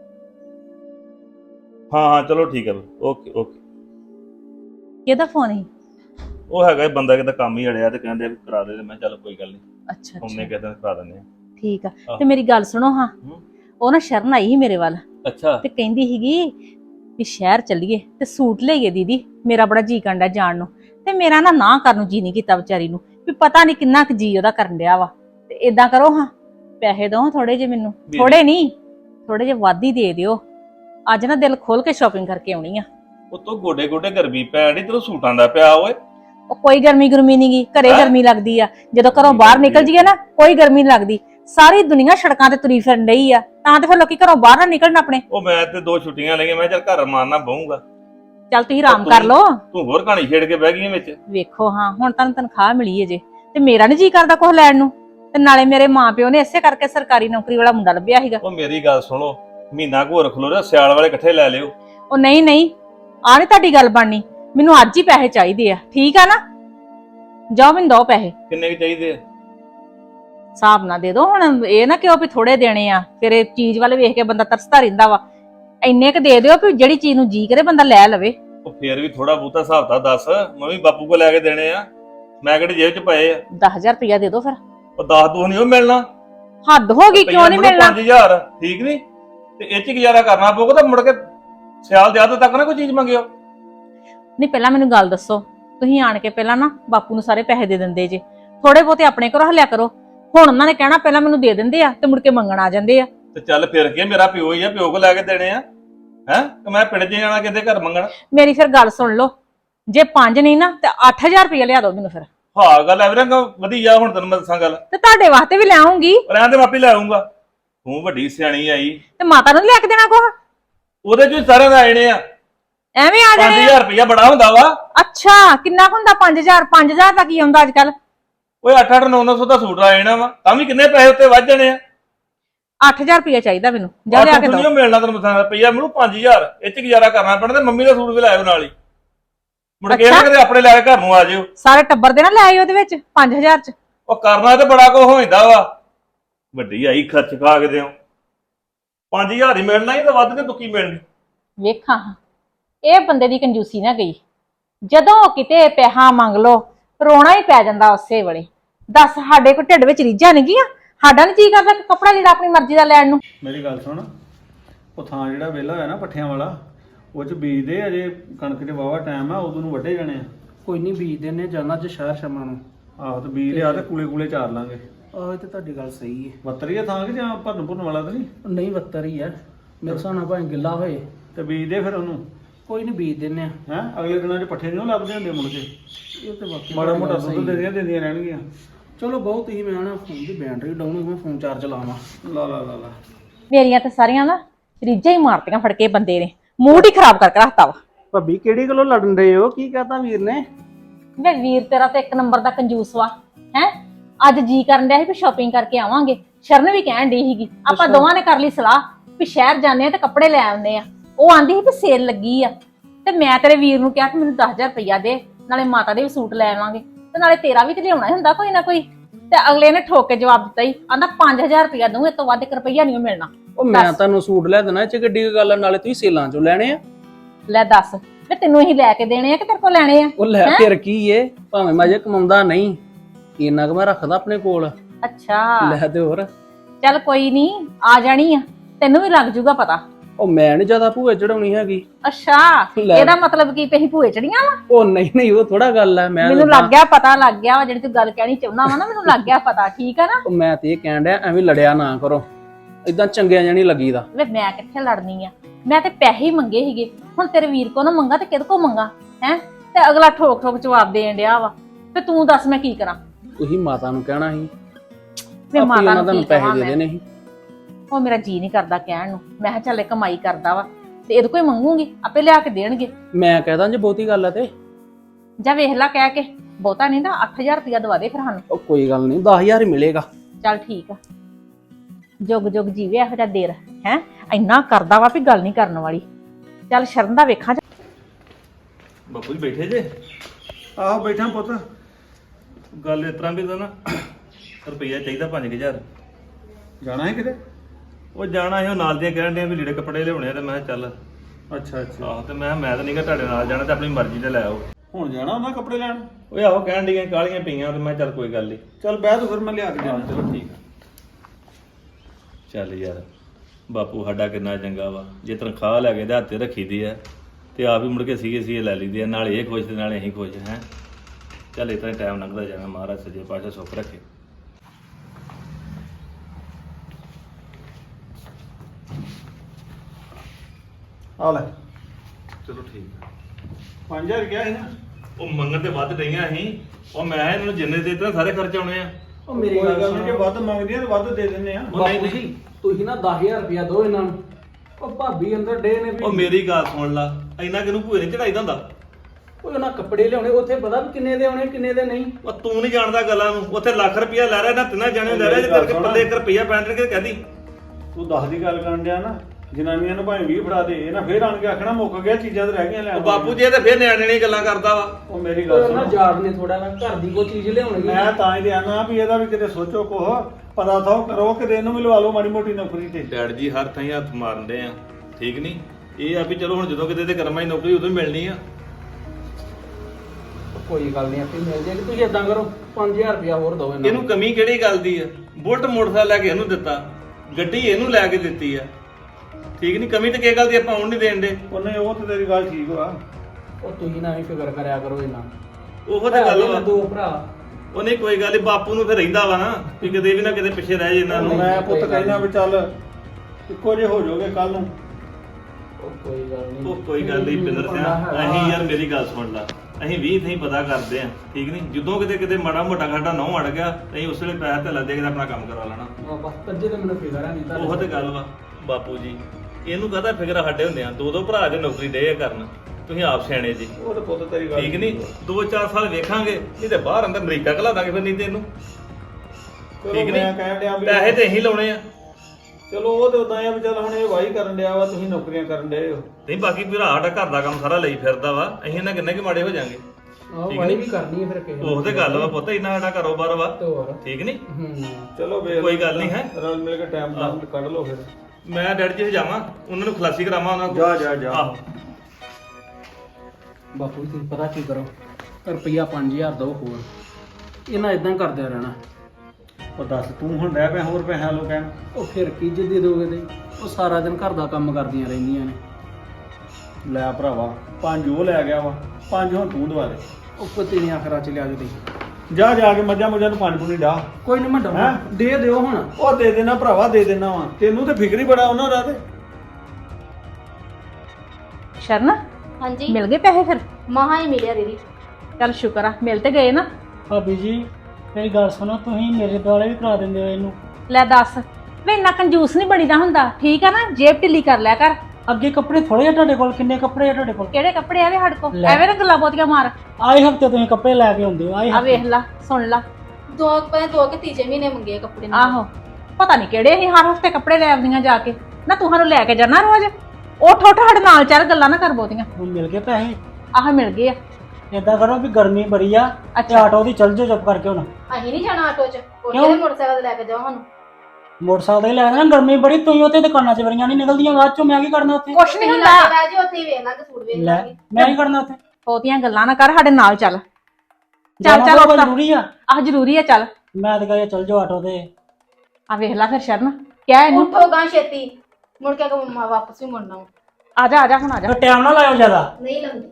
[SPEAKER 7] ਹਾਂ ਚਲੋ ਠੀਕ ਹੈ ਓਕੇ
[SPEAKER 6] ਕਿਹਦਾ ਫੋਨ ਸੀ
[SPEAKER 7] ਉਹ ਹੈਗਾ ਬੰਦਾ ਕਿਤੇ ਕੰਮ ਹੀ ਅੜਿਆ ਤੇ ਕਹਿੰਦੇ ਵੀ ਕਰਾ ਦੇ ਤੇ ਮੈਂ ਚੱਲ ਕੋਈ ਗੱਲ ਨਹੀਂ
[SPEAKER 6] ਅੱਛਾ
[SPEAKER 7] ਉਹਨੇ ਕਹਿੰਦਾ ਕਰਾ ਦਿੰਦੇ ਆ
[SPEAKER 6] ਠੀਕ ਆ ਤੇ ਮੇਰੀ ਗੱਲ ਸੁਣੋ ਹਾਂ ਉਹ ਨਾ ਸ਼ਰਨ ਆਈ ਸੀ ਮੇਰੇ ਵੱਲ
[SPEAKER 7] ਅੱਛਾ
[SPEAKER 6] ਤੇ ਕਹਿੰਦੀ ਸੀਗੀ ਵੀ ਸ਼ਹਿਰ ਚੱਲੀਏ ਤੇ ਸੂਟ ਲਈਏ ਦੀਦੀ ਮੇਰਾ ਬੜਾ ਜੀ ਕਰਦਾ ਜਾਣ ਨੂੰ ਤੇ ਮੇਰਾ ਨਾ ਕਰਨ ਨੂੰ ਜੀ ਨਹੀਂ ਕੀਤਾ ਵਿਚਾਰੀ ਨੂੰ ਵੀ ਪਤਾ ਨਹੀਂ ਕਿੰਨਾ ਕੁ ਜੀ ਉਹਦਾ ਕਰਨ ਡਿਆ ਵਾ ਤੇ ਇਦਾਂ ਕਰੋ ਹਾਂ ਪੈਸੇ ਦੋ ਥੋੜੇ ਜਿਹੇ ਮੈਨੂੰ ਥੋੜੇ ਨਹੀਂ ਥੋੜੇ ਜਿਹੇ ਵੱਧ ਹੀ ਦੇ ਦਿਓ ਅੱਜ ਨਾ ਦਿਲ ਖੋਲ ਕੇ ਸ਼ਾਪਿੰਗ ਕਰਕੇ ਆਉਣੀ ਆ
[SPEAKER 7] ਉਤੋਂ ਗੋਡੇ ਗਰਮੀ ਪੈ ਰਹੀ ਤੈਨੂੰ ਸੂਟਾਂ ਦਾ ਪਿਆ ਓਏ
[SPEAKER 6] ਉਹ ਕੋਈ ਗਰਮੀ ਨਹੀਂ ਗੀ ਘਰੇ ਗਰਮੀ ਲੱਗਦੀ ਆ ਜਦੋਂ ਘਰੋਂ ਬਾਹਰ ਨਿਕਲ ਜੀਏ ਨਾ ਕੋਈ ਗਰਮੀ ਨਹੀਂ ਲੱਗਦੀ ਸਾਰੀ ਦੁਨੀਆ ਸੜਕਾਂ ਤੇ ਤੁਰੀ ਫਿਰਨ ਡਈ ਆ ਤਾਂ ਤੇ ਫਿਰ ਲੋਕੀ ਘਰੋਂ ਬਾਹਰ ਨਾ ਨਿਕਲਣ ਆਪਣੇ
[SPEAKER 7] ਉਹ ਮੈਂ ਤੇ 2 ਛੁੱਟੀਆਂ ਲਈਆਂ ਮੈਂ ਚੱਲ ਘਰ ਮਾਰਨਾ ਬਹੂੰਗਾ
[SPEAKER 6] ਚੱਲ ਤੁਸੀਂ ਆਰਾਮ ਕਰ ਲਓ
[SPEAKER 7] ਤੂੰ ਹੋਰ ਕਹਾਣੀ ਛੇੜ ਕੇ ਬਹਿ ਗਈ ਵਿੱਚ
[SPEAKER 6] ਵੇਖੋ ਹਾਂ ਹੁਣ ਤੁਹਾਨੂੰ ਤਨਖਾਹ ਮਿਲੀ ਏ ਜੇ ਤੇ ਮੇਰਾ ਨੀ ਜੀ ਕਰਦਾ ਕੁਝ ਲੈਣ ਨੂੰ ਤੇ ਨਾਲੇ ਮੇਰੇ ਮਾਪਿਓ ਨੇ ਇਸੇ ਕਰਕੇ ਸਰਕਾਰੀ ਨੌਕਰੀ ਵਾਲਾ ਮੁੰਡਾ ਲੱਭਿਆ ਸੀਗਾ।
[SPEAKER 7] ਉਹ ਮੇਰੀ ਗੱਲ ਸੁਣੋ, ਮਹੀਨਾ ਕੁ ਹੋਰ ਖਲੋ ਰਿਹਾ, ਸਿਆਲ ਵਾਲੇ ਇਕੱਠੇ ਲੈ ਲਿਓ।
[SPEAKER 6] ਉਹ ਨਹੀਂ ਨਹੀਂ, ਆਹ ਨੀ ਤੁਹਾਡੀ ਗੱਲ ਬਣਨੀ, ਮੈਨੂੰ ਅੱਜ ਹੀ ਪੈਸੇ ਚਾਹੀਦੇ ਆ, ਠੀਕ ਆ ਨਾ? ਜਾਓ ਮੈਨੂੰ ਦੋ ਪੈਸੇ,
[SPEAKER 7] ਕਿੰਨੇ ਕੁ ਚਾਹੀਦੇ ਆ?
[SPEAKER 6] ਹਿਸਾਬ ਨਾਲ ਦੇ ਦੋ। ਹੁਣ ਇਹ ਨਾ ਕਿਉਂ ਵੀ ਥੋੜੇ ਦੇਣੇ ਆ, ਫਿਰ ਇਹ ਚੀਜ਼ ਵੱਲ ਵੇਖ ਕੇ ਬੰਦਾ ਤਰਸਦਾ ਰਹਿੰਦਾ ਵਾ। ਇੰਨੇ ਕ ਦੇ ਦਿਓ ਵੀ ਜਿਹੜੀ ਚੀਜ਼ ਨੂੰ ਜੀ ਕਰੇ ਬੰਦਾ ਲੈ ਲਵੇ।
[SPEAKER 7] ਉਹ ਫੇਰ ਵੀ ਥੋੜਾ ਬਹੁਤਾ ਹਿਸਾਬ ਤਾਂ ਦੱਸ, ਮੈਂ ਵੀ ਬਾਪੂ ਕੋ ਲੈ ਕੇ ਦੇਣੇ ਆ, ਮੈਂ ਕਿਹੜੇ ਜੇਬ 'ਚ ਪਏ ਆ।
[SPEAKER 6] 10,000 ਰੁਪਇਆ ਦੇ ਦਿਓ ਫਿਰ।
[SPEAKER 7] ਉਹ 10 ਦੂ ਨਹੀਂ ਉਹ ਮਿਲਣਾ।
[SPEAKER 6] ਹੱਦ ਹੋ ਗਈ, ਕਿਉਂ ਨਹੀਂ ਮਿਲਣਾ?
[SPEAKER 7] 5000 ਠੀਕ ਨਹੀਂ, ਤੇ ਇਹ 'ਚ ਗੁਜ਼ਾਰਾ ਕਰਨਾ ਪਊਗਾ ਤਾਂ ਮੁੜ ਕੇ ਸਿਆਲ ਦੇ ਹੱਦ ਤੱਕ ਨਾ ਕੋਈ ਚੀਜ਼ ਮੰਗਿਓ।
[SPEAKER 6] ਨਹੀਂ ਪਹਿਲਾਂ ਮੈਨੂੰ ਗੱਲ ਦੱਸੋ, ਤੁਸੀਂ ਆਣ ਕੇ ਪਹਿਲਾਂ ਨਾ ਬਾਪੂ ਨੂੰ ਸਾਰੇ ਪੈਸੇ ਦੇ ਦਿੰਦੇ ਜੇ, ਥੋੜੇ ਬਹੁਤੇ ਆਪਣੇ ਘਰੋਂ ਹਲਿਆ ਕਰੋ। ਹੁਣ ਉਹਨਾਂ ਨੇ ਕਹਿਣਾ ਪਹਿਲਾਂ ਮੈਨੂੰ ਦੇ ਦਿੰਦੇ ਆ ਤੇ ਮੁੜ ਕੇ ਮੰਗਣ ਆ ਜਾਂਦੇ ਆ।
[SPEAKER 7] ਤੇ ਚੱਲ ਫਿਰ ਕੇ ਮੇਰਾ ਪਿਓ ਹੀ ਆ, ਪਿਓ ਕੋ ਲੈ ਕੇ ਦੇਣੇ ਆ ਹੈ, ਤੇ ਮੈਂ ਪਿੰਡ 'ਚ ਜਾਣਾ ਕਿਤੇ ਘਰ ਮੰਗਣ।
[SPEAKER 6] ਮੇਰੀ ਫਿਰ ਗੱਲ ਸੁਣ ਲਓ, ਜੇ 5 ਨਹੀਂ ਨਾ ਤੇ 8,000 ਰੁਪਇਆ ਲਿਆ ਦਿਓ ਮੈਨੂੰ ਫਿਰ।
[SPEAKER 7] ਹਾਂ ਗੱਲ ਐ ਵੀਰੇ, ਵਧੀਆ। ਹੁਣ ਤੈਨੂੰ ਮੈਂ ਦੱਸਾਂ ਗੱਲ,
[SPEAKER 6] ਤੇ ਤੁਹਾਡੇ ਵਾਸਤੇ ਵੀ ਲੈ ਆਉਂਗੀ।
[SPEAKER 7] ਰਹਿਣ ਦੇ, ਮਾਪੀ ਲੈ ਆਉਂਗਾ। ਤੂੰ ਵੱਡੀ ਸਿਆਣੀ ਆਈ,
[SPEAKER 6] ਤੇ ਮਾਤਾ ਨੂੰ ਨੀ ਲੈ ਕੇ ਦੇਣਾ ਕੁਛ?
[SPEAKER 7] ਉਹਦੇ 'ਚ ਸਾਰਿਆਂ ਦਾ ਆਣੇ ਆ।
[SPEAKER 6] ਐਵੇਂ ਆ ਜਾਣੇ ਆ?
[SPEAKER 7] 5000 ਰੁਪਇਆ ਬੜਾ ਹੁੰਦਾ ਵਾ।
[SPEAKER 6] ਅੱਛਾ, ਕਿੰਨਾ ਕੁ ਹੁੰਦਾ 5,000? 5,000 ਦਾ ਕੀ ਆਉਂਦਾ ਅੱਜ ਕੱਲ?
[SPEAKER 7] ਓਏ 8-8 900 ਦਾ ਸੂਟ ਆ ਜਾਣਾ ਵਾ, ਤਾਂ ਵੀ ਕਿੰਨੇ ਪੈਸੇ ਉੱਤੇ ਵੱਧ ਜਾਣੇ ਆ।
[SPEAKER 6] 8,000 ਰੁਪਇਆ ਚਾਹੀਦਾ ਮੈਨੂੰ, ਜਾ ਲਿਆ ਕੇ
[SPEAKER 7] ਤੂੰ
[SPEAKER 6] ਦੋ।
[SPEAKER 7] ਨਹੀਂ ਮਿਲਣਾ ਤੈਨੂੰ ਪਸੰਦ ਰੁਪਇਆ ਮਿਲੂ 5000, ਇਹ 'ਚ ਗੁਜ਼ਾਰਾ ਕਰਨਾ ਪੈਣਾ। ਤੇ ਮੰਮੀ ਦਾ ਸੂਟ ਵੀ ਲਾਇਓ ਨਾਲ ਹੀ, ਮੁੜ ਕੇ ਇਹਨਾਂ ਕਿਤੇ ਆਪਣੇ ਲੈ ਕੇ ਘਰ ਨੂੰ ਆ ਜਿਓ।
[SPEAKER 6] ਸਾਰੇ ਟੱਬਰ ਦੇ ਨਾ ਲੈ ਆਇਓ ਉਹਦੇ ਵਿੱਚ 5,000 ਚ।
[SPEAKER 7] ਉਹ ਕਰਨਾ ਤੇ ਬੜਾ ਕੁਝ ਹੋ ਜਾਂਦਾ ਵਾ, ਵੱਡੀ ਆਈ ਖਰਚ ਖਾ ਕੇ ਦਿਓ। 5000 ਹੀ ਮਿਲਣਾ ਹੀ ਤਾਂ ਵੱਧ ਕੇ ਦੁੱਕੀ ਮਿਲਣੀ।
[SPEAKER 6] ਵੇਖਾਂ ਇਹ ਬੰਦੇ ਦੀ ਕੰਜੂਸੀ ਨਾ ਗਈ, ਜਦੋਂ ਕਿਤੇ ਪੈਸਾ ਮੰਗ ਲੋ ਰੋਣਾ ਹੀ ਪੈ ਜਾਂਦਾ ਉਸੇ ਵੇਲੇ। ਦੱਸ ਸਾਡੇ ਕੋ ਢਿੱਡ ਵਿੱਚ ਰੀਝਾਂ ਨਹੀਂ ਗੀਆਂ? ਸਾਡਾ ਨੀ ਜੀ ਕਰਦਾ ਕਿ ਕੱਪੜਾ ਜਿਹੜਾ ਆਪਣੀ ਮਰਜ਼ੀ ਦਾ ਲੈਣ ਨੂੰ।
[SPEAKER 8] ਮੇਰੀ ਗੱਲ ਸੁਣ, ਉਹ ਥਾਂ ਜਿਹੜਾ ਵਿਹਲਾ ਹੋਇਆ ਨਾ ਪੱਠਿਆਂ ਵਾਲਾ, ਉਹ 'ਚ ਬੀਜਦੇ ਅਜੇ, ਕਣਕ 'ਚ ਵਾਵਾ ਟਾਈਮ ਆ, ਉਦੋਂ ਨੂੰ ਵੱਢੇ ਜਾਣੇ ਆ।
[SPEAKER 9] ਕੋਈ ਨਹੀਂ ਬੀਜ ਦਿੰਨੇ, ਜਾਣਾ ਅੱਜ ਸ਼ਹਿਰ ਸ਼ਾਮਾਂ ਨੂੰ।
[SPEAKER 8] ਆਹੋ ਤੇ ਬੀਜ ਲਿਆ ਤੇ ਕੂਲੇ ਕੂਲੇ ਚਾਰ ਲਾਂਗੇ।
[SPEAKER 9] ਆਹ ਇਹ ਤੇ ਤੁਹਾਡੀ ਗੱਲ ਸਹੀ ਹੈ।
[SPEAKER 8] ਵੱਤਰੀ ਆ ਥਾਂ ਕਿ ਜਾਂ ਭਰਨ ਭੁਰਨ ਵਾਲਾ ਤਾਂ ਨਹੀਂ?
[SPEAKER 9] ਨਹੀਂ ਵੱਤਰ ਹੀ ਹੈ, ਮੇਰੇ ਹਿਸਾਬ ਨਾਲ ਭਾਵੇਂ ਗਿੱਲਾ ਹੋਏ।
[SPEAKER 8] ਤੇ ਬੀਜਦੇ ਫਿਰ ਉਹਨੂੰ,
[SPEAKER 9] ਕੋਈ ਨਹੀਂ ਬੀਜ ਦਿੰਨੇ ਆ।
[SPEAKER 8] ਹੈ ਅਗਲੇ ਦਿਨਾਂ 'ਚ ਪੱਠੇ ਨਹੀਂ ਲੱਭਦੇ ਹੁੰਦੇ ਮੁੜ ਕੇ।
[SPEAKER 9] ਇਹ ਤੇ ਬਾਕੀ
[SPEAKER 8] ਮਾੜਾ ਮੋਟਾ
[SPEAKER 9] ਸਹੀ
[SPEAKER 8] ਦੁੱਧ
[SPEAKER 9] ਹੈ।
[SPEAKER 8] ਦਿੰਦੀਆਂ ਰਹਿਣਗੀਆਂ।
[SPEAKER 9] ਚਲੋ ਬਹੁਤ ਹੀ, ਮੈਂ ਨਾ ਫੋਨ ਦੀ ਬੈਟਰੀ ਡਾਊਨ ਹੋ ਗਈ, ਮੈਂ ਫੋਨ ਚਾਰਜ ਲਾਵਾਂ।
[SPEAKER 8] ਲਾ ਲਾ ਲਾ ਲਾ।
[SPEAKER 6] ਮੇਰੀਆਂ ਤੇ ਸਾਰੀਆਂ ਨਾ ਰੀਝਾਂ ਹੀ ਮਾਰਤੀਆਂ ਫੜ ਕੇ ਬੰਦੇ ਨੇ, ਮੂਡ ਹੀ ਖਰਾਬ ਕਰਕੇ ਰੱਖਤਾ ਵਾ।
[SPEAKER 9] ਭਾਬੀ ਕਿਹੜੀ ਗੱਲੋਂ ਲੜਨ ਰਹੇ ਹੋ? ਕੀ ਕਹਤਾ ਵੀਰ ਨੇ?
[SPEAKER 6] ਵੇ ਵੀਰ ਤੇਰਾ ਤੇ 1 ਨੰਬਰ ਦਾ ਕੰਜੂਸ ਵਾ ਹੈ। ਅੱਜ ਜੀ ਕਰਨ ਡਿਆ ਸੀ ਵੀ ਸ਼ਾਪਿੰਗ ਕਰਕੇ ਆਵਾਂਗੇ, ਸ਼ਰਨ ਵੀ ਕਹਿਣ ਡਈ ਸੀਗੀ, ਆਪਾਂ ਦੋਵਾਂ ਨੇ ਕਰ ਲਈ ਸਲਾਹ ਵੀ ਸ਼ਹਿਰ ਜਾਂਦੇ ਆ ਤੇ ਕੱਪੜੇ ਲੈ ਆਉਂਦੇ ਆ। ਉਹ ਆਂਦੀ ਸੀ ਵੀ ਸੇਲ ਲੱਗੀ ਆ, ਤੇ ਮੈਂ ਤੇਰੇ ਵੀਰ ਨੂੰ ਕਿਹਾ ਕਿ ਮੈਨੂੰ 10,000 ਰੁਪਇਆ ਦੇ, ਨਾਲੇ ਮਾਤਾ ਦੇ ਵੀ ਸੂਟ ਲੈ ਆਵਾਂਗੇ ਤੇ ਨਾਲੇ ਤੇਰਾ ਵੀ ਤੇ ਲਿਆਉਣਾ ਹੁੰਦਾ ਕੋਈ ਨਾ ਕੋਈ। ਤੇ ਅਗਲੇ ਨੇ ਠੋਕ ਕੇ ਜਵਾਬ ਦਿੱਤਾ ਹੀ, ਆਂਦਾ 5,000 ਰੁਪਇਆ ਦਊਂ, ਇਹ ਤੋਂ ਵੱਧ 1 ਰੁਪਇਆ ਨਹੀਂ ਮਿਲਣਾ।
[SPEAKER 9] ਉਹ ਮੈਂ ਤੁਹਾਨੂੰ ਸੂਟ ਲੈ ਦੇਣਾ, ਇਹ ਚ ਗੱਡੀ ਦੀ ਗੱਲ ਆ, ਨਾਲੇ ਤੁਸੀਂ ਸੇਲਾਂ ਚੋਂ ਲੈਣੇ ਆ।
[SPEAKER 6] ਲੈ ਦੱਸ ਵੀ ਤੈਨੂੰ ਅਸੀਂ ਲੈ ਕੇ ਦੇਣੇ ਆ ਕਿ ਤੇਰੇ ਕੋਲ ਲੈਣੇ ਆ?
[SPEAKER 9] ਉਹ ਲੈ ਫਿਰ ਕੀ ਏ, ਭਾਵੇਂ ਮੈਂ ਜੇ ਕਮਾਉਂਦਾ ਨਹੀਂ, ਇੰਨਾ ਕੁ ਮੈਂ ਰੱਖਦਾ ਆਪਣੇ ਕੋਲ।
[SPEAKER 6] ਅੱਛਾ
[SPEAKER 9] ਲੈ ਤੇ ਹੋਰ।
[SPEAKER 6] ਚੱਲ ਕੋਈ ਨਹੀਂ, ਆ ਜਾਣੀ ਆ, ਤੈਨੂੰ ਵੀ ਲੱਗ ਜੂਗਾ ਪਤਾ।
[SPEAKER 9] ਉਹ ਮੈਂ ਨੀ ਜ਼ਿਆਦਾ ਭੂਏ ਚੜਾਉਣੀ ਹੈਗੀ।
[SPEAKER 6] ਅੱਛਾ, ਇਹਦਾ ਮਤਲਬ ਕੀ ਪਈ ਭੂਏ ਚੜੀਆਂ ਵਾ?
[SPEAKER 9] ਉਹ ਨਹੀਂ ਨਹੀਂ, ਉਹ ਥੋੜਾ ਗੱਲ ਆ।
[SPEAKER 6] ਮੈਨੂੰ ਲੱਗ ਗਿਆ ਪਤਾ, ਲੱਗ ਗਿਆ ਵਾ ਜਿਹੜੀ ਤੂੰ ਗੱਲ ਕਹਿਣੀ ਚਾਹੁੰਦਾ ਵਾ ਨਾ, ਮੈਨੂੰ ਲੱਗ ਗਿਆ ਪਤਾ, ਠੀਕ ਆ ਨਾ?
[SPEAKER 9] ਉਹ ਮੈਂ ਤੇ ਇਹ ਕਹਿਣ ਡਿਆ, ਐਵੇਂ ਲੜਿਆ ਨਾ ਕਰੋ, ਇਦਾਂ ਚੰਗਿਆਂ ਜਾਨੀ ਲੱਗੀਦਾ।
[SPEAKER 6] ਵੇ ਮੈਂ ਕਿੱਥੇ ਲੜਨੀ ਆ, ਮੈਂ ਤੇ ਪੈਸੇ ਹੀ ਮੰਗੇ ਸੀਗੇ। ਹੁਣ ਤੇਰੇ ਵੀਰ ਕੋ ਨਾ ਮੰਗਾ ਤੇ ਕਿਹਦੇ ਕੋ ਮੰਗਾ ਹੈ? ਤੇ ਅਗਲਾ ਠੋਕ ਠੋਕ ਜਵਾਬ ਦੇਣ ਡਿਆ ਵਾ, ਤੇ ਤੂੰ ਦੱਸ ਮੈਂ ਕੀ ਕਰਾਂ?
[SPEAKER 9] ਤੁਸੀਂ ਮਾਤਾ ਨੂੰ ਕਹਿਣਾ ਸੀ,
[SPEAKER 6] ਵੇ ਮਾਤਾ ਨੂੰ
[SPEAKER 9] ਤੁਹਾਨੂੰ
[SPEAKER 6] ਕੀ
[SPEAKER 9] ਪੈਸੇ
[SPEAKER 6] ਕਹਾਂ
[SPEAKER 9] ਦੇ
[SPEAKER 6] ਮੈਂ?
[SPEAKER 9] ਦੇਣੇ ਸੀ।
[SPEAKER 6] ਉਹ ਮੇਰਾ ਜੀ ਨਹੀਂ ਕਰਦਾ ਕਹਿਣ ਨੂੰ, ਮੈਂ ਕਿਹਾ ਚੱਲ ਇਹ ਕਮਾਈ ਕਰਦਾ ਵਾ ਤੇ ਇਹਦੇ ਕੋਈ ਮੰਗੂਗੀ, ਆਪੇ ਲਿਆ ਕੇ ਦੇਣਗੇ।
[SPEAKER 9] ਮੈਂ ਕਹਦਾ ਜੇ ਬਹੁਤੀ ਗੱਲ ਆ ਤੇ
[SPEAKER 6] ਜਾਂ ਵੇਖ ਲਾ ਕਹਿ ਕੇ, ਬਹੁਤਾ ਨਹੀਂ ਤਾਂ 8,000 ਰੁਪਇਆ ਦਵਾ ਦੇ ਫਿਰ ਸਾਨੂੰ।
[SPEAKER 9] ਉਹ ਕੋਈ ਗੱਲ ਨਹੀਂ, 10,000 ਹੀ ਮਿਲੇਗਾ।
[SPEAKER 6] ਚੱਲ ਠੀਕ ਆ, ਜੁਗ ਜੁਗ ਜੀਵੇ ਇਹੋ ਜਿਹਾ ਦੇਰ ਹੈ। ਇੰਨਾ ਕਰਦਾ ਵਾ ਵੀ ਗੱਲ ਨਹੀਂ ਕਰਨ ਵਾਲੀ। ਚੱਲ ਸ਼ਰਨ ਦਾ ਵੇਖਾਂ।
[SPEAKER 7] ਬਾਪੂ ਜੀ ਬੈਠੇ ਜੇ?
[SPEAKER 8] ਆਹੋ ਬੈਠਾ ਪੁੱਤ।
[SPEAKER 7] ਗੱਲ ਇਸ ਤਰ੍ਹਾਂ ਵੀ ਤਾਂ ਨਾ ਰੁਪਈਆ ਚਾਹੀਦਾ 5,000।
[SPEAKER 8] ਜਾਣਾ ਹੈ ਕਿਤੇ?
[SPEAKER 7] ਉਹ ਜਾਣਾ ਸੀ, ਉਹ ਨਾਲ ਦੀਆਂ ਕਹਿਣ ਦੀਆਂ ਵੀ ਲੀੜੇ ਕੱਪੜੇ ਲਿਆਉਣੇ ਆ, ਤੇ ਮੈਂ ਕਿਹਾ ਚੱਲ।
[SPEAKER 8] ਅੱਛਾ ਅੱਛਾ।
[SPEAKER 7] ਆਹੋ, ਤੇ ਮੈਂ ਤਾਂ ਨਹੀਂਗਾ ਤੁਹਾਡੇ ਨਾਲ ਜਾਣਾ, ਤੇ ਆਪਣੀ ਮਰਜ਼ੀ ਤੇ ਲੈ ਆਓ।
[SPEAKER 8] ਹੁਣ ਜਾਣਾ ਉਹਨਾਂ ਕੱਪੜੇ ਲੈਣ?
[SPEAKER 7] ਓਏ ਆਹੋ ਕਹਿਣ ਦੀਆਂ ਕਾਲੀਆਂ ਪਈਆਂ, ਤੇ ਮੈਂ ਚੱਲ ਕੋਈ ਗੱਲ ਨਹੀਂ।
[SPEAKER 8] ਚੱਲ ਬਹਿ ਤੂੰ, ਫਿਰ ਮੈਂ ਲਿਆ ਕੇ ਦੇਣਾ।
[SPEAKER 7] ਚਲੋ ਠੀਕ ਆ। ਚੱਲ ਯਾਰ, ਬਾਪੂ ਸਾਡਾ ਕਿੰਨਾ ਚੰਗਾ ਵਾ, ਜੇ ਤਨਖਾਹ ਲੈ ਕੇ ਦੇ ਹੱਥੇ ਰੱਖੀ ਦੀ ਆ ਤੇ ਆਪ ਹੀ ਮੁੜ ਕੇ ਸੀਗੇ ਲੈ ਲਈਦੀ ਆ, ਨਾਲੇ ਇਹ ਖੁਸ਼ ਤੇ ਨਾਲੇ ਅਸੀਂ ਖੁਸ਼ ਹੈ। ਚੱਲ ਇਸ ਤਰ੍ਹਾਂ ਟਾਈਮ ਲੰਘਦਾ ਜਾਣਾ, ਮਹਾਰਾਜ ਸੱਚੇ ਪਾਤਸ਼ਾਹ ਸੁੱਖ ਰੱਖੇ।
[SPEAKER 8] ਆ ਲੈ।
[SPEAKER 7] ਚਲੋ ਠੀਕ ਆ।
[SPEAKER 8] 5,000 ਕਿਹਾ ਸੀ ਨਾ?
[SPEAKER 7] ਉਹ ਮੰਗਣ ਤੇ ਵੱਧ ਡਈਆਂ ਸੀ, ਉਹ ਮੈਂ ਇਹਨਾਂ ਨੂੰ ਜਿੰਨੇ ਦੇ ਦਿੱਤੇ ਸਾਰੇ ਖਰਚ ਆਉਣੇ ਆ।
[SPEAKER 9] ਉਹ ਮੇਰੀ
[SPEAKER 8] ਕੋਈ
[SPEAKER 9] ਗੱਲ
[SPEAKER 8] ਗੱਲ ਨੀ, ਜੇ
[SPEAKER 9] ਸੁਣੋ
[SPEAKER 8] ਵੱਧ ਮੰਗਦੀਆਂ ਤੇ ਵੱਧ ਦੇ ਦਿੰਨੇ ਆ।
[SPEAKER 7] ਉਹ ਨਹੀਂ
[SPEAKER 9] ਬਾਪੂ
[SPEAKER 7] ਨਹੀਂ,
[SPEAKER 9] ਜੀ, ਤੁਸੀਂ ਨਾ 10,000 ਰੁਪਇਆ ਦਿਓ ਇਹਨਾਂ ਨੂੰ। ਉਹ ਭਾਬੀ ਅੰਦਰ ਡੇ ਨੇ ਵੀ।
[SPEAKER 7] ਉਹ ਮੇਰੀ ਗੱਲ ਸੁਣ ਲਾ, ਇੰਨਾ ਕਿਹਨੂੰ ਭੂਏ ਨਹੀਂ ਚੜਾਈਦਾ ਹੁੰਦਾ।
[SPEAKER 9] ਉਹ ਉਹਨਾਂ ਕੱਪੜੇ ਲਿਆਉਣੇ ਉੱਥੇ ਪਤਾ ਵੀ ਕਿੰਨੇ ਦੇ ਆਉਣੇ ਕਿੰਨੇ ਦੇ ਨਹੀਂ।
[SPEAKER 7] ਉਹ ਤੂੰ ਨਹੀਂ ਜਾਣਦਾ ਗੱਲਾਂ ਨੂੰ। ਉੱਥੇ ਲੱਖ ਰੁਪਇਆ ਲੈ ਰਿਹਾ ਨਾ, ਤਿੰਨਾਂ ਜਾਣੇ ਲੈ ਰਿਹਾ, ਜੇ ਤੇਰੇ ਪੱਲੇ 1 ਰੁਪਇਆ ਪੈਣ ਦੇਣਗੇ ਕਹਦੀ।
[SPEAKER 8] ਤੂੰ 10 ਦੀ ਗੱਲ ਕਰਨ ਡਿਆ ਨਾ, ਜਨਾਨੀਆਂ ਨੂੰ ਭਾਵੇਂ 20 ਫੜਾ ਦੇ, ਇਹ ਨਾ ਫੇਰ ਆਣ ਕੇ ਆਖਣਾ ਮੁੱਕ ਗਿਆ, ਚੀਜ਼ਾਂ ਤੇ ਰਹਿ ਗਈਆਂ ਲੈਣ।
[SPEAKER 7] ਉਹ ਬਾਪੂ ਜੀ ਇਹ ਤੇ ਫੇਰ ਨਿਆਣੇ ਨਹੀਂ ਗੱਲਾਂ ਕਰਦਾ ਵਾ।
[SPEAKER 8] ਉਹ ਮੇਰੀ ਗੱਲ
[SPEAKER 9] ਉਹਨਾਂ
[SPEAKER 8] ਸੁਣ,
[SPEAKER 9] ਜਾੜ ਨੇ ਥੋੜਾ ਨਾ ਘਰ ਦੀ ਕੋਈ ਚੀਜ਼ ਲਿਆਉਣਗੇ।
[SPEAKER 8] ਮੈਂ ਤਾਂ ਹੀ ਦਿਆਨਾ ਵੀ ਇਹਦਾ ਵੀ ਕਿਤੇ ਸੋਚੋ ਕੋਹ ਪਤਾ ਥੋ ਕਰੋ, ਕਿਤੇ ਇਹਨੂੰ ਵੀ ਲਵਾ ਲਓ ਮਾੜੀ ਮੋਟੀ ਨੌਕਰੀ ਤੇ।
[SPEAKER 7] ਡੈਡ ਜੀ ਹਰ ਥਾਂ ਹੱਥ ਮਾਰਦੇ ਆ, ਠੀਕ ਨਹੀਂ? ਇਹ ਆ ਵੀ ਚਲੋ ਹੁਣ ਜਦੋਂ ਕਿਤੇ ਤੇ ਕਰਮਾਂ ਦੀ ਨੌਕਰੀ ਉਦੋਂ ਹੀ ਮਿਲਣੀ ਆ।
[SPEAKER 9] ਕੋਈ ਗੱਲ ਨਹੀਂ, ਆਪੇ ਮਿਲ ਜਾਏਗੀ। ਤੁਸੀਂ ਏਦਾਂ ਕਰੋ 5000 ਰੁਪਇਆ ਹੋਰ ਦਿਓ ਇਹਨਾਂ
[SPEAKER 7] ਇਹਨੂੰ ਕਮੀ ਕਿਹੜੀ ਗੱਲ ਦੀ ਆ? ਬੁਲਟ ਮੋਟਰਸਾਈਕਲ ਲੈ ਕੇ ਇਹਨੂੰ ਦਿੱਤਾ, ਗੱਡੀ ਇਹਨੂੰ ਲੈ ਕੇ ਦਿੱਤੀ ਆ, ਠੀਕ ਨਹੀਂ? ਕਮੀ ਤੇ ਕੀ ਗੱਲ ਦੀ ਆਪਾਂ ਹੁਣ ਨਹੀਂ ਦੇਣ ਦੇ।
[SPEAKER 8] ਉਹਨੇ ਉਹ ਤੇ ਤੇਰੀ ਗੱਲ ਠੀਕ ਵਾ।
[SPEAKER 9] ਉਹ ਤੁਸੀਂ ਨਾ ਹੀ ਫਿਕਰ ਕਰਿਆ ਕਰੋ ਇਹਨਾਂ।
[SPEAKER 7] ਉਹੋ ਤੇ ਗੱਲ ਵਾ।
[SPEAKER 9] 2 ਭਰਾ।
[SPEAKER 7] ਉਹ ਨਹੀਂ ਕੋਈ ਗੱਲ ਨੀ, ਬਾਪੂ ਨੂੰ ਫਿਰ ਰਹਿੰਦਾ ਵਾ ਨਾ ਵੀ ਕਿਤੇ ਵੀ ਨਾ ਕਿਤੇ ਪਿੱਛੇ ਰਹਿ ਜੇ ਇਹਨਾਂ ਨੂੰ।
[SPEAKER 8] ਮੈਂ ਪੁੱਤ ਕਹਿੰਦਾ ਵੀ ਚੱਲ ਇੱਕੋ ਜਿਹੇ ਹੋ ਜਾਓਗੇ ਕੱਲ ਨੂੰ।
[SPEAKER 9] ਉਹ ਕੋਈ ਗੱਲ ਨਹੀਂ।
[SPEAKER 7] ਉਹ ਕੋਈ ਗੱਲ ਨਹੀਂ ਪਿੰਦਰ ਸਿਆ, ਅਸੀਂ ਯਾਰ ਮੇਰੀ ਗੱਲ ਸੁਣ ਲਾ, ਅਸੀਂ 20 ਥਾਂ ਪਤਾ ਕਰਦੇ ਆ, ਠੀਕ ਨਹੀਂ? ਜਦੋਂ ਕਿਤੇ ਮਾੜਾ ਮੋਟਾ ਸਾਡਾ ਨਹੁੰ ਅੜ ਗਿਆ ਅਸੀਂ ਉਸ ਵੇਲੇ ਪੈਸੇ ਤੇ ਲੱਦੇ ਕੇ ਆਪਣਾ ਕੰਮ ਕਰਾ ਲੈਣਾ।
[SPEAKER 9] ਬਸ ਤੱਜੇ ਤੇ ਮੈਨੂੰ ਫਿਕਰ ਆ ਨਹੀਂ ਤਾਂ।
[SPEAKER 7] ਉਹ ਤੇ ਗੱਲ ਵਾ ਬਾਪੂ ਜੀ, ਇਹਨੂੰ ਕਾਹਦਾ ਫਿਕਰ ਆ? ਸਾਡੇ ਹੁੰਦੇ ਆ 2 ਭਰਾ ਜੇ ਨੌਕਰੀ ਦੇ ਆ ਕਰਨ, ਤੁਸੀਂ ਆਪ ਸਿਆਣੇ ਜੀ,
[SPEAKER 8] ਉਹ ਤੇ ਪੁੱਤ ਤੇਰੀ ਗੱਲ
[SPEAKER 7] ਠੀਕ ਨਹੀਂ? 2-4 ਸਾਲ ਵੇਖਾਂਗੇ, ਨਹੀਂ ਤੇ ਬਾਹਰ ਅੰਦਰ ਅਮਰੀਕਾ ਘਲਾ ਦਾਂਗੇ ਫਿਰ, ਨਹੀਂ ਤੇ ਇਹਨੂੰ, ਠੀਕ
[SPEAKER 8] ਮੈਂ ਕਹਿਣ ਡਿਆ
[SPEAKER 7] ਨਹੀਂ?
[SPEAKER 8] ਵੀ
[SPEAKER 7] ਪੈਸੇ ਤੇ ਅਸੀਂ ਲਾਉਣੇ ਆ।
[SPEAKER 8] ਚਲੋ ਉਹ ਤੇ ਉਦਾਂ ਆ ਵੀ ਚੱਲ ਹੁਣ ਇਹ ਵਾਹੀ ਕਰਨ ਡਿਆ ਵਾ, ਤੁਸੀਂ ਨੌਕਰੀਆਂ ਕਰਨ ਡਏ ਹੋ।
[SPEAKER 7] ਨਹੀਂ ਬਾਕੀ ਭਰਾ ਸਾਡਾ ਘਰ ਦਾ ਕੰਮ ਸਾਰਾ ਲਈ ਫਿਰਦਾ ਵਾ, ਅਸੀਂ ਇਹਨਾਂ ਕਿੰਨੇ ਕਿ ਮਾੜੇ ਹੋ ਜਾਾਂਗੇ?
[SPEAKER 9] ਆਹ ਵਾਲੀ ਵੀ ਕਰਨੀ ਹੈ ਫਿਰ ਕਿਸੇ
[SPEAKER 7] ਉਹ ਤੇ ਗੱਲ ਵਾ ਪੁੱਤ, ਇੰਨਾ ਸਾਡਾ ਕਾਰੋਬਾਰ ਵਾ,
[SPEAKER 9] ਤੇ ਹੋਰ।
[SPEAKER 7] ਠੀਕ ਨਹੀਂ?
[SPEAKER 8] ਚਲੋ ਵੇਖ
[SPEAKER 7] ਕੋਈ ਗੱਲ ਨਹੀਂ ਹੈ,
[SPEAKER 8] ਰਲ ਮਿਲ ਕੇ ਟਾਈਮ ਦਾ ਕੱਢ ਲਓ ਫਿਰ।
[SPEAKER 7] ਮੈਂ ਡੈਡੀ ਜੀ ਜਾਵਾਂ, ਉਹਨਾਂ ਨੂੰ ਖਲਾਸੀ ਕਰਾਵਾਂ ਉਹਨਾਂ ਕੋਲ।
[SPEAKER 8] ਜਾ
[SPEAKER 7] ਆਹੋ
[SPEAKER 9] ਬਾਪੂ ਜੀ ਤੁਸੀਂ ਪਤਾ ਕੀ ਕਰੋ, ਰੁਪਈਆ 5000 ਦਿਓ ਹੋਰ, ਇਹਨਾਂ ਇਦਾਂ ਕਰਦੇ ਰਹਿਣਾ।
[SPEAKER 8] ਉਹ ਦੱਸ ਤੂੰ ਹੁਣ ਰਹਿ ਪਿਆ ਹੋਰ ਪੈਸਿਆਂ ਲੋ ਕਹਿਣ।
[SPEAKER 9] ਉਹ ਫਿਰ ਕੀ ਜੇ ਦੇ ਦੋਗੇ ਤੇ ਉਹ ਸਾਰਾ ਦਿਨ ਘਰ ਦਾ ਕੰਮ ਕਰਦੀਆਂ ਰਹਿੰਦੀਆਂ ਨੇ।
[SPEAKER 8] ਲੈ ਭਰਾਵਾ 5 ਉਹ ਲੈ ਗਿਆ ਵਾ, 5 ਹੁਣ ਤੂੰ ਦਵਾ ਦੇ।
[SPEAKER 9] ਉਹ ਪਤੀ ਨੇ ਆਖਰਾ ਚ ਲਿਆ ਜਦੀ।
[SPEAKER 8] ਜਾ ਕੇ ਮੱਝਾਂ ਨੂੰ ਪਾਣੀ ਪੂਣੀ ਡਾਹ।
[SPEAKER 9] ਕੋਈ ਨਹੀਂ ਮੈਂ ਡਾਉਣਾ, ਦੇ ਦਿਓ ਹੁਣ।
[SPEAKER 8] ਉਹ ਦੇ ਦੇਣਾ ਭਰਾਵਾ, ਦੇ ਦੇਣਾ ਵਾ, ਤੈਨੂੰ ਤੇ ਫਿਕਰ ਹੀ ਬੜਾ ਉਹਨਾਂ ਦਾ। ਤੇ
[SPEAKER 6] ਸ਼ਰਨ
[SPEAKER 3] ਹਾਂਜੀ
[SPEAKER 6] ਮਿਲ ਗਏ ਪੈਸੇ ਫਿਰ?
[SPEAKER 3] ਮਹਾ ਹੀ ਮਿਲਿਆ ਦੀਦੀ।
[SPEAKER 6] ਚੱਲ ਸ਼ੁਕਰ ਆ, ਮਿਲ ਤੇ ਗਏ ਨਾ।
[SPEAKER 10] ਭਾਬੀ ਜੀ ਮੇਰੀ ਗੱਲ ਸੁਣੋ, ਤੁਸੀਂ ਮੇਰੇ ਦੁਆਲੇ ਵੀ ਕਰਾ ਦਿੰਦੇ ਹੋ ਇਹਨੂੰ।
[SPEAKER 6] ਲੈ ਦੱਸ ਵੇ, ਇੰਨਾ ਕੰਜੂਸ ਨਹੀਂ ਬਣੀਦਾ ਹੁੰਦਾ, ਠੀਕ ਆ ਨਾ? ਜੇਬ ਢਿੱਲੀ ਕਰ ਲਿਆ ਕਰ।
[SPEAKER 10] ਅੱਗੇ ਕੱਪੜੇ ਥੋੜੇ ਆ ਤੁਹਾਡੇ ਕੋਲ? ਕਿੰਨੇ ਕੱਪੜੇ ਆ ਤੁਹਾਡੇ ਕੋਲ?
[SPEAKER 6] ਕਿਹੜੇ ਕੱਪੜੇ ਆਵੇ ਸਾਡੇ ਕੋਲ?
[SPEAKER 10] ਲੈ।
[SPEAKER 6] ਐਵੇਂ ਨਾ ਗੱਲਾਂ ਬਹੁਤੀਆਂ ਮਾਰ।
[SPEAKER 10] ਆਏ ਹਫਤੇ ਤੁਸੀਂ ਕੱਪੜੇ ਲੈ ਕੇ ਆਉਂਦੇ ਹੋ, ਆਏ
[SPEAKER 6] ਆ ਵੇਖ
[SPEAKER 10] ਹਫ਼ਤੇ।
[SPEAKER 6] ਲਾ, ਸੁਣ ਲਾ।
[SPEAKER 2] 2 ਕਿ ਤੀਜੇ ਮਹੀਨੇ ਮੰਗੇ ਕੱਪੜੇ ਨਾਲ।
[SPEAKER 6] ਆਹੋ ਪਤਾ ਨਹੀਂ ਕਿਹੜੇ ਅਸੀਂ ਹਰ ਹਫਤੇ ਕੱਪੜੇ ਲੈ ਆਉਂਦੀਆਂ ਜਾ ਕੇ ਨਾ। ਤੂੰ ਸਾਨੂੰ ਲੈ ਕੇ ਜਾਣਾ ਰੋਜ਼? ਉੱਠ ਸਾਡੇ ਨਾਲ ਚੱਲ, ਗੱਲਾਂ ਨਾ ਕਰ ਬਹੁਤੀਆਂ।
[SPEAKER 10] ਹੁਣ ਮਿਲ ਗਏ ਪੈਸੇ?
[SPEAKER 6] ਆਹ ਮਿਲ ਗਏ ਆ।
[SPEAKER 10] ਏਦਾਂ ਕਰੋ ਵੀ ਗਰਮੀ ਬੜੀ ਆ ਤੇ
[SPEAKER 6] ਅੱਛਾ।
[SPEAKER 10] ਆਟੋ ਦੀ ਚੱਲ ਜਾਓ ਚੁੱਪ ਕਰਕੇ ਹੁਣ।
[SPEAKER 2] ਅਸੀਂ ਨਹੀਂ ਜਾਣਾ ਆਟੋ 'ਚ,
[SPEAKER 10] ਕਿਉਂ?
[SPEAKER 2] ਉਹਦੇ ਮੋਟਰਸਾਈਕਲ ਤੇ ਲੈ ਕੇ ਜਾਓ ਸਾਨੂੰ।
[SPEAKER 10] ਮੋਟਰਸਾਈਕਲ ਤੇ ਲੈ ਜਾਣਾ, ਗਰਮੀ ਬੜੀ, ਤੁਸੀਂ ਉੱਥੇ ਦੁਕਾਨਾਂ 'ਚ ਵਰੀਆਂ ਨਹੀਂ ਨਿਕਲਦੀਆਂ, ਬਾਅਦ ਚੋਂ ਮੈਂ ਕੀ ਕਰਨਾ ਉੱਥੇ?
[SPEAKER 6] ਕੁਛ ਨਹੀਂ ਹੁੰਦਾ।
[SPEAKER 2] ਲੈ ਜੀ ਉੱਥੇ ਹੀ ਵੇਖ ਲਾਂਗੇ, ਸੂਟ ਵੇਖ
[SPEAKER 10] ਲੈ
[SPEAKER 2] ਲਾਂਗੇ।
[SPEAKER 10] ਮੈਂ ਕੀ ਕਰਨਾ ਉੱਥੇ?
[SPEAKER 6] ਬਹੁਤੀਆਂ ਗੱਲਾਂ ਨਾ ਕਰ, ਸਾਡੇ ਨਾਲ ਚੱਲ।
[SPEAKER 10] ਜਾਣਾ
[SPEAKER 6] ਚੱਲ
[SPEAKER 10] ਤਾਂ
[SPEAKER 6] ਉੱਠ।
[SPEAKER 10] ਜ਼ਰੂਰੀ ਆ।
[SPEAKER 6] ਆਹ ਜ਼ਰੂਰੀ ਆ, ਚੱਲ।
[SPEAKER 10] ਮੈਂ ਤਾਂ ਕਹਾਂ ਚੱਲ ਜਾਓ ਆਟੋ ਤੇ।
[SPEAKER 6] ਆ ਵੇਖ ਲੈ ਫਿਰ ਸ਼ਰਨ, ਕਿਆ ਇਹਨੂੰ?
[SPEAKER 2] ਉੱਠੋ ਗਾਂ ਛੇਤੀ, ਮੁੜ ਕੇ ਵਾਪਸ ਵੀ ਮੁੜਨਾ ਵਾ।
[SPEAKER 6] ਆ ਜਾ ਹੁਣ ਆ ਜਾ।
[SPEAKER 10] ਟਾਈਮ ਨਾ ਲਾਇਓ ਜ਼ਿਆਦਾ।
[SPEAKER 2] ਨਹੀਂ ਲੰਦੀ।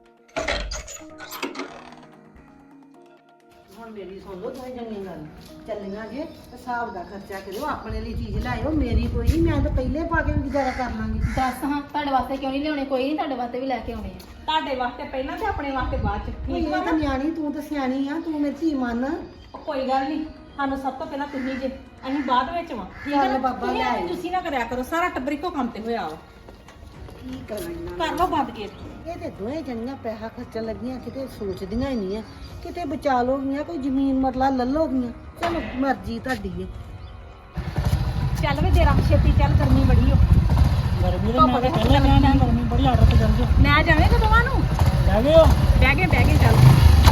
[SPEAKER 5] ਹੁਣ ਮੇਰੀ ਸੁਣ ਲਓ ਦੋਵੇਂ ਜਣੀਆਂ ਗੱਲ, ਚੱਲੀਆਂ ਜੇ ਹਿਸਾਬ ਦਾ ਖਰਚਾ ਕਰਿਓ, ਆਪਣੇ ਲਈ ਚੀਜ਼ ਲਾਇਓ, ਮੇਰੀ ਕੋਈ ਨਹੀਂ, ਮੈਂ ਤਾਂ ਪਹਿਲੇ ਪਾ ਕੇ ਵੀ ਗੁਜ਼ਾਰਾ ਕਰ ਲਾਂਗੀ।
[SPEAKER 2] ਦੱਸ ਹਾਂ, ਤੁਹਾਡੇ ਵਾਸਤੇ ਕਿਉਂ ਨਹੀਂ ਲਿਆਉਣੇ? ਕੋਈ ਨਹੀਂ, ਤੁਹਾਡੇ ਵਾਸਤੇ ਵੀ ਲੈ ਕੇ ਆਉਣੇ ਆ।
[SPEAKER 6] ਤੁਹਾਡੇ ਵਾਸਤੇ ਪਹਿਲਾਂ ਤੇ ਆਪਣੇ ਵਾਸਤੇ ਬਾਅਦ ਚ, ਠੀਕ
[SPEAKER 5] ਇਹ ਤਾਂ ਨਿਆਣੀ, ਤੂੰ ਤਾਂ ਸਿਆਣੀ ਆ, ਤੂੰ ਮੇਰੀ ਧੀ ਮੰਨ।
[SPEAKER 6] ਕੋਈ ਗੱਲ ਨਹੀਂ, ਸਾਨੂੰ ਸਭ ਤੋਂ ਪਹਿਲਾਂ ਤੁਸੀਂ ਜੇ, ਅਸੀਂ ਬਾਅਦ ਵਿੱਚ ਵਾਂ, ਠੀਕ
[SPEAKER 5] ਚੱਲ
[SPEAKER 6] ਹੈ ਨਾ?
[SPEAKER 5] ਬਾਬਾ
[SPEAKER 6] ਤੁਸੀਂ
[SPEAKER 5] ਲੈ
[SPEAKER 6] ਐਵੇਂ
[SPEAKER 5] ਆਈ।
[SPEAKER 6] ਤੁਸੀਂ ਨਾ ਕਰਿਆ ਕਰੋ, ਸਾਰਾ ਟੱਬਰ ਇੱਕੋ ਕੰਮ ਤੇ ਹੋਇਆ ਵਾ।
[SPEAKER 5] ਕੀ ਕਰਨਾ
[SPEAKER 6] ਕਰ ਲਓ ਬੰਦ ਕੇ।
[SPEAKER 5] ਇਹ ਤੇ ਦੋਵੇਂ ਜਣੀਆਂ ਪੈਸਾ ਖਰਚਣ ਲੱਗੀਆਂ, ਕਿਤੇ ਸੋਚਦੀਆਂ ਹੀ ਨਹੀਂ ਆ, ਕਿਤੇ ਬਚਾ ਲੋਗੀਆਂ, ਕੋਈ ਜ਼ਮੀਨ ਮਰਲਾ ਲੱਲੋਗੀਆਂ। ਚਲੋ ਮਰਜ਼ੀ ਤੁਹਾਡੀ ਹੈ।
[SPEAKER 6] ਚੱਲ ਵੇ ਜਰਾ ਛੇਤੀ ਚੱਲ, ਗਰਮੀ ਬੜੀ ਹੋ।
[SPEAKER 10] ਗਰਮੀ ਤਾਂ ਮੈਂ ਤਾਂ ਪਹਿਲਾਂ ਕਹਿਣਾ, ਗਰਮੀ ਬੜੀ, ਆਟੋ ਤੇ ਚੱਲ ਜਾਓ।
[SPEAKER 6] ਮੈਂ ਜਾਵੇਂਗਾ ਦੋਵਾਂ ਨੂੰ।
[SPEAKER 10] ਲੈ ਗਏ ਹੋ?
[SPEAKER 6] ਬਹਿ ਗਏ ਚੱਲ।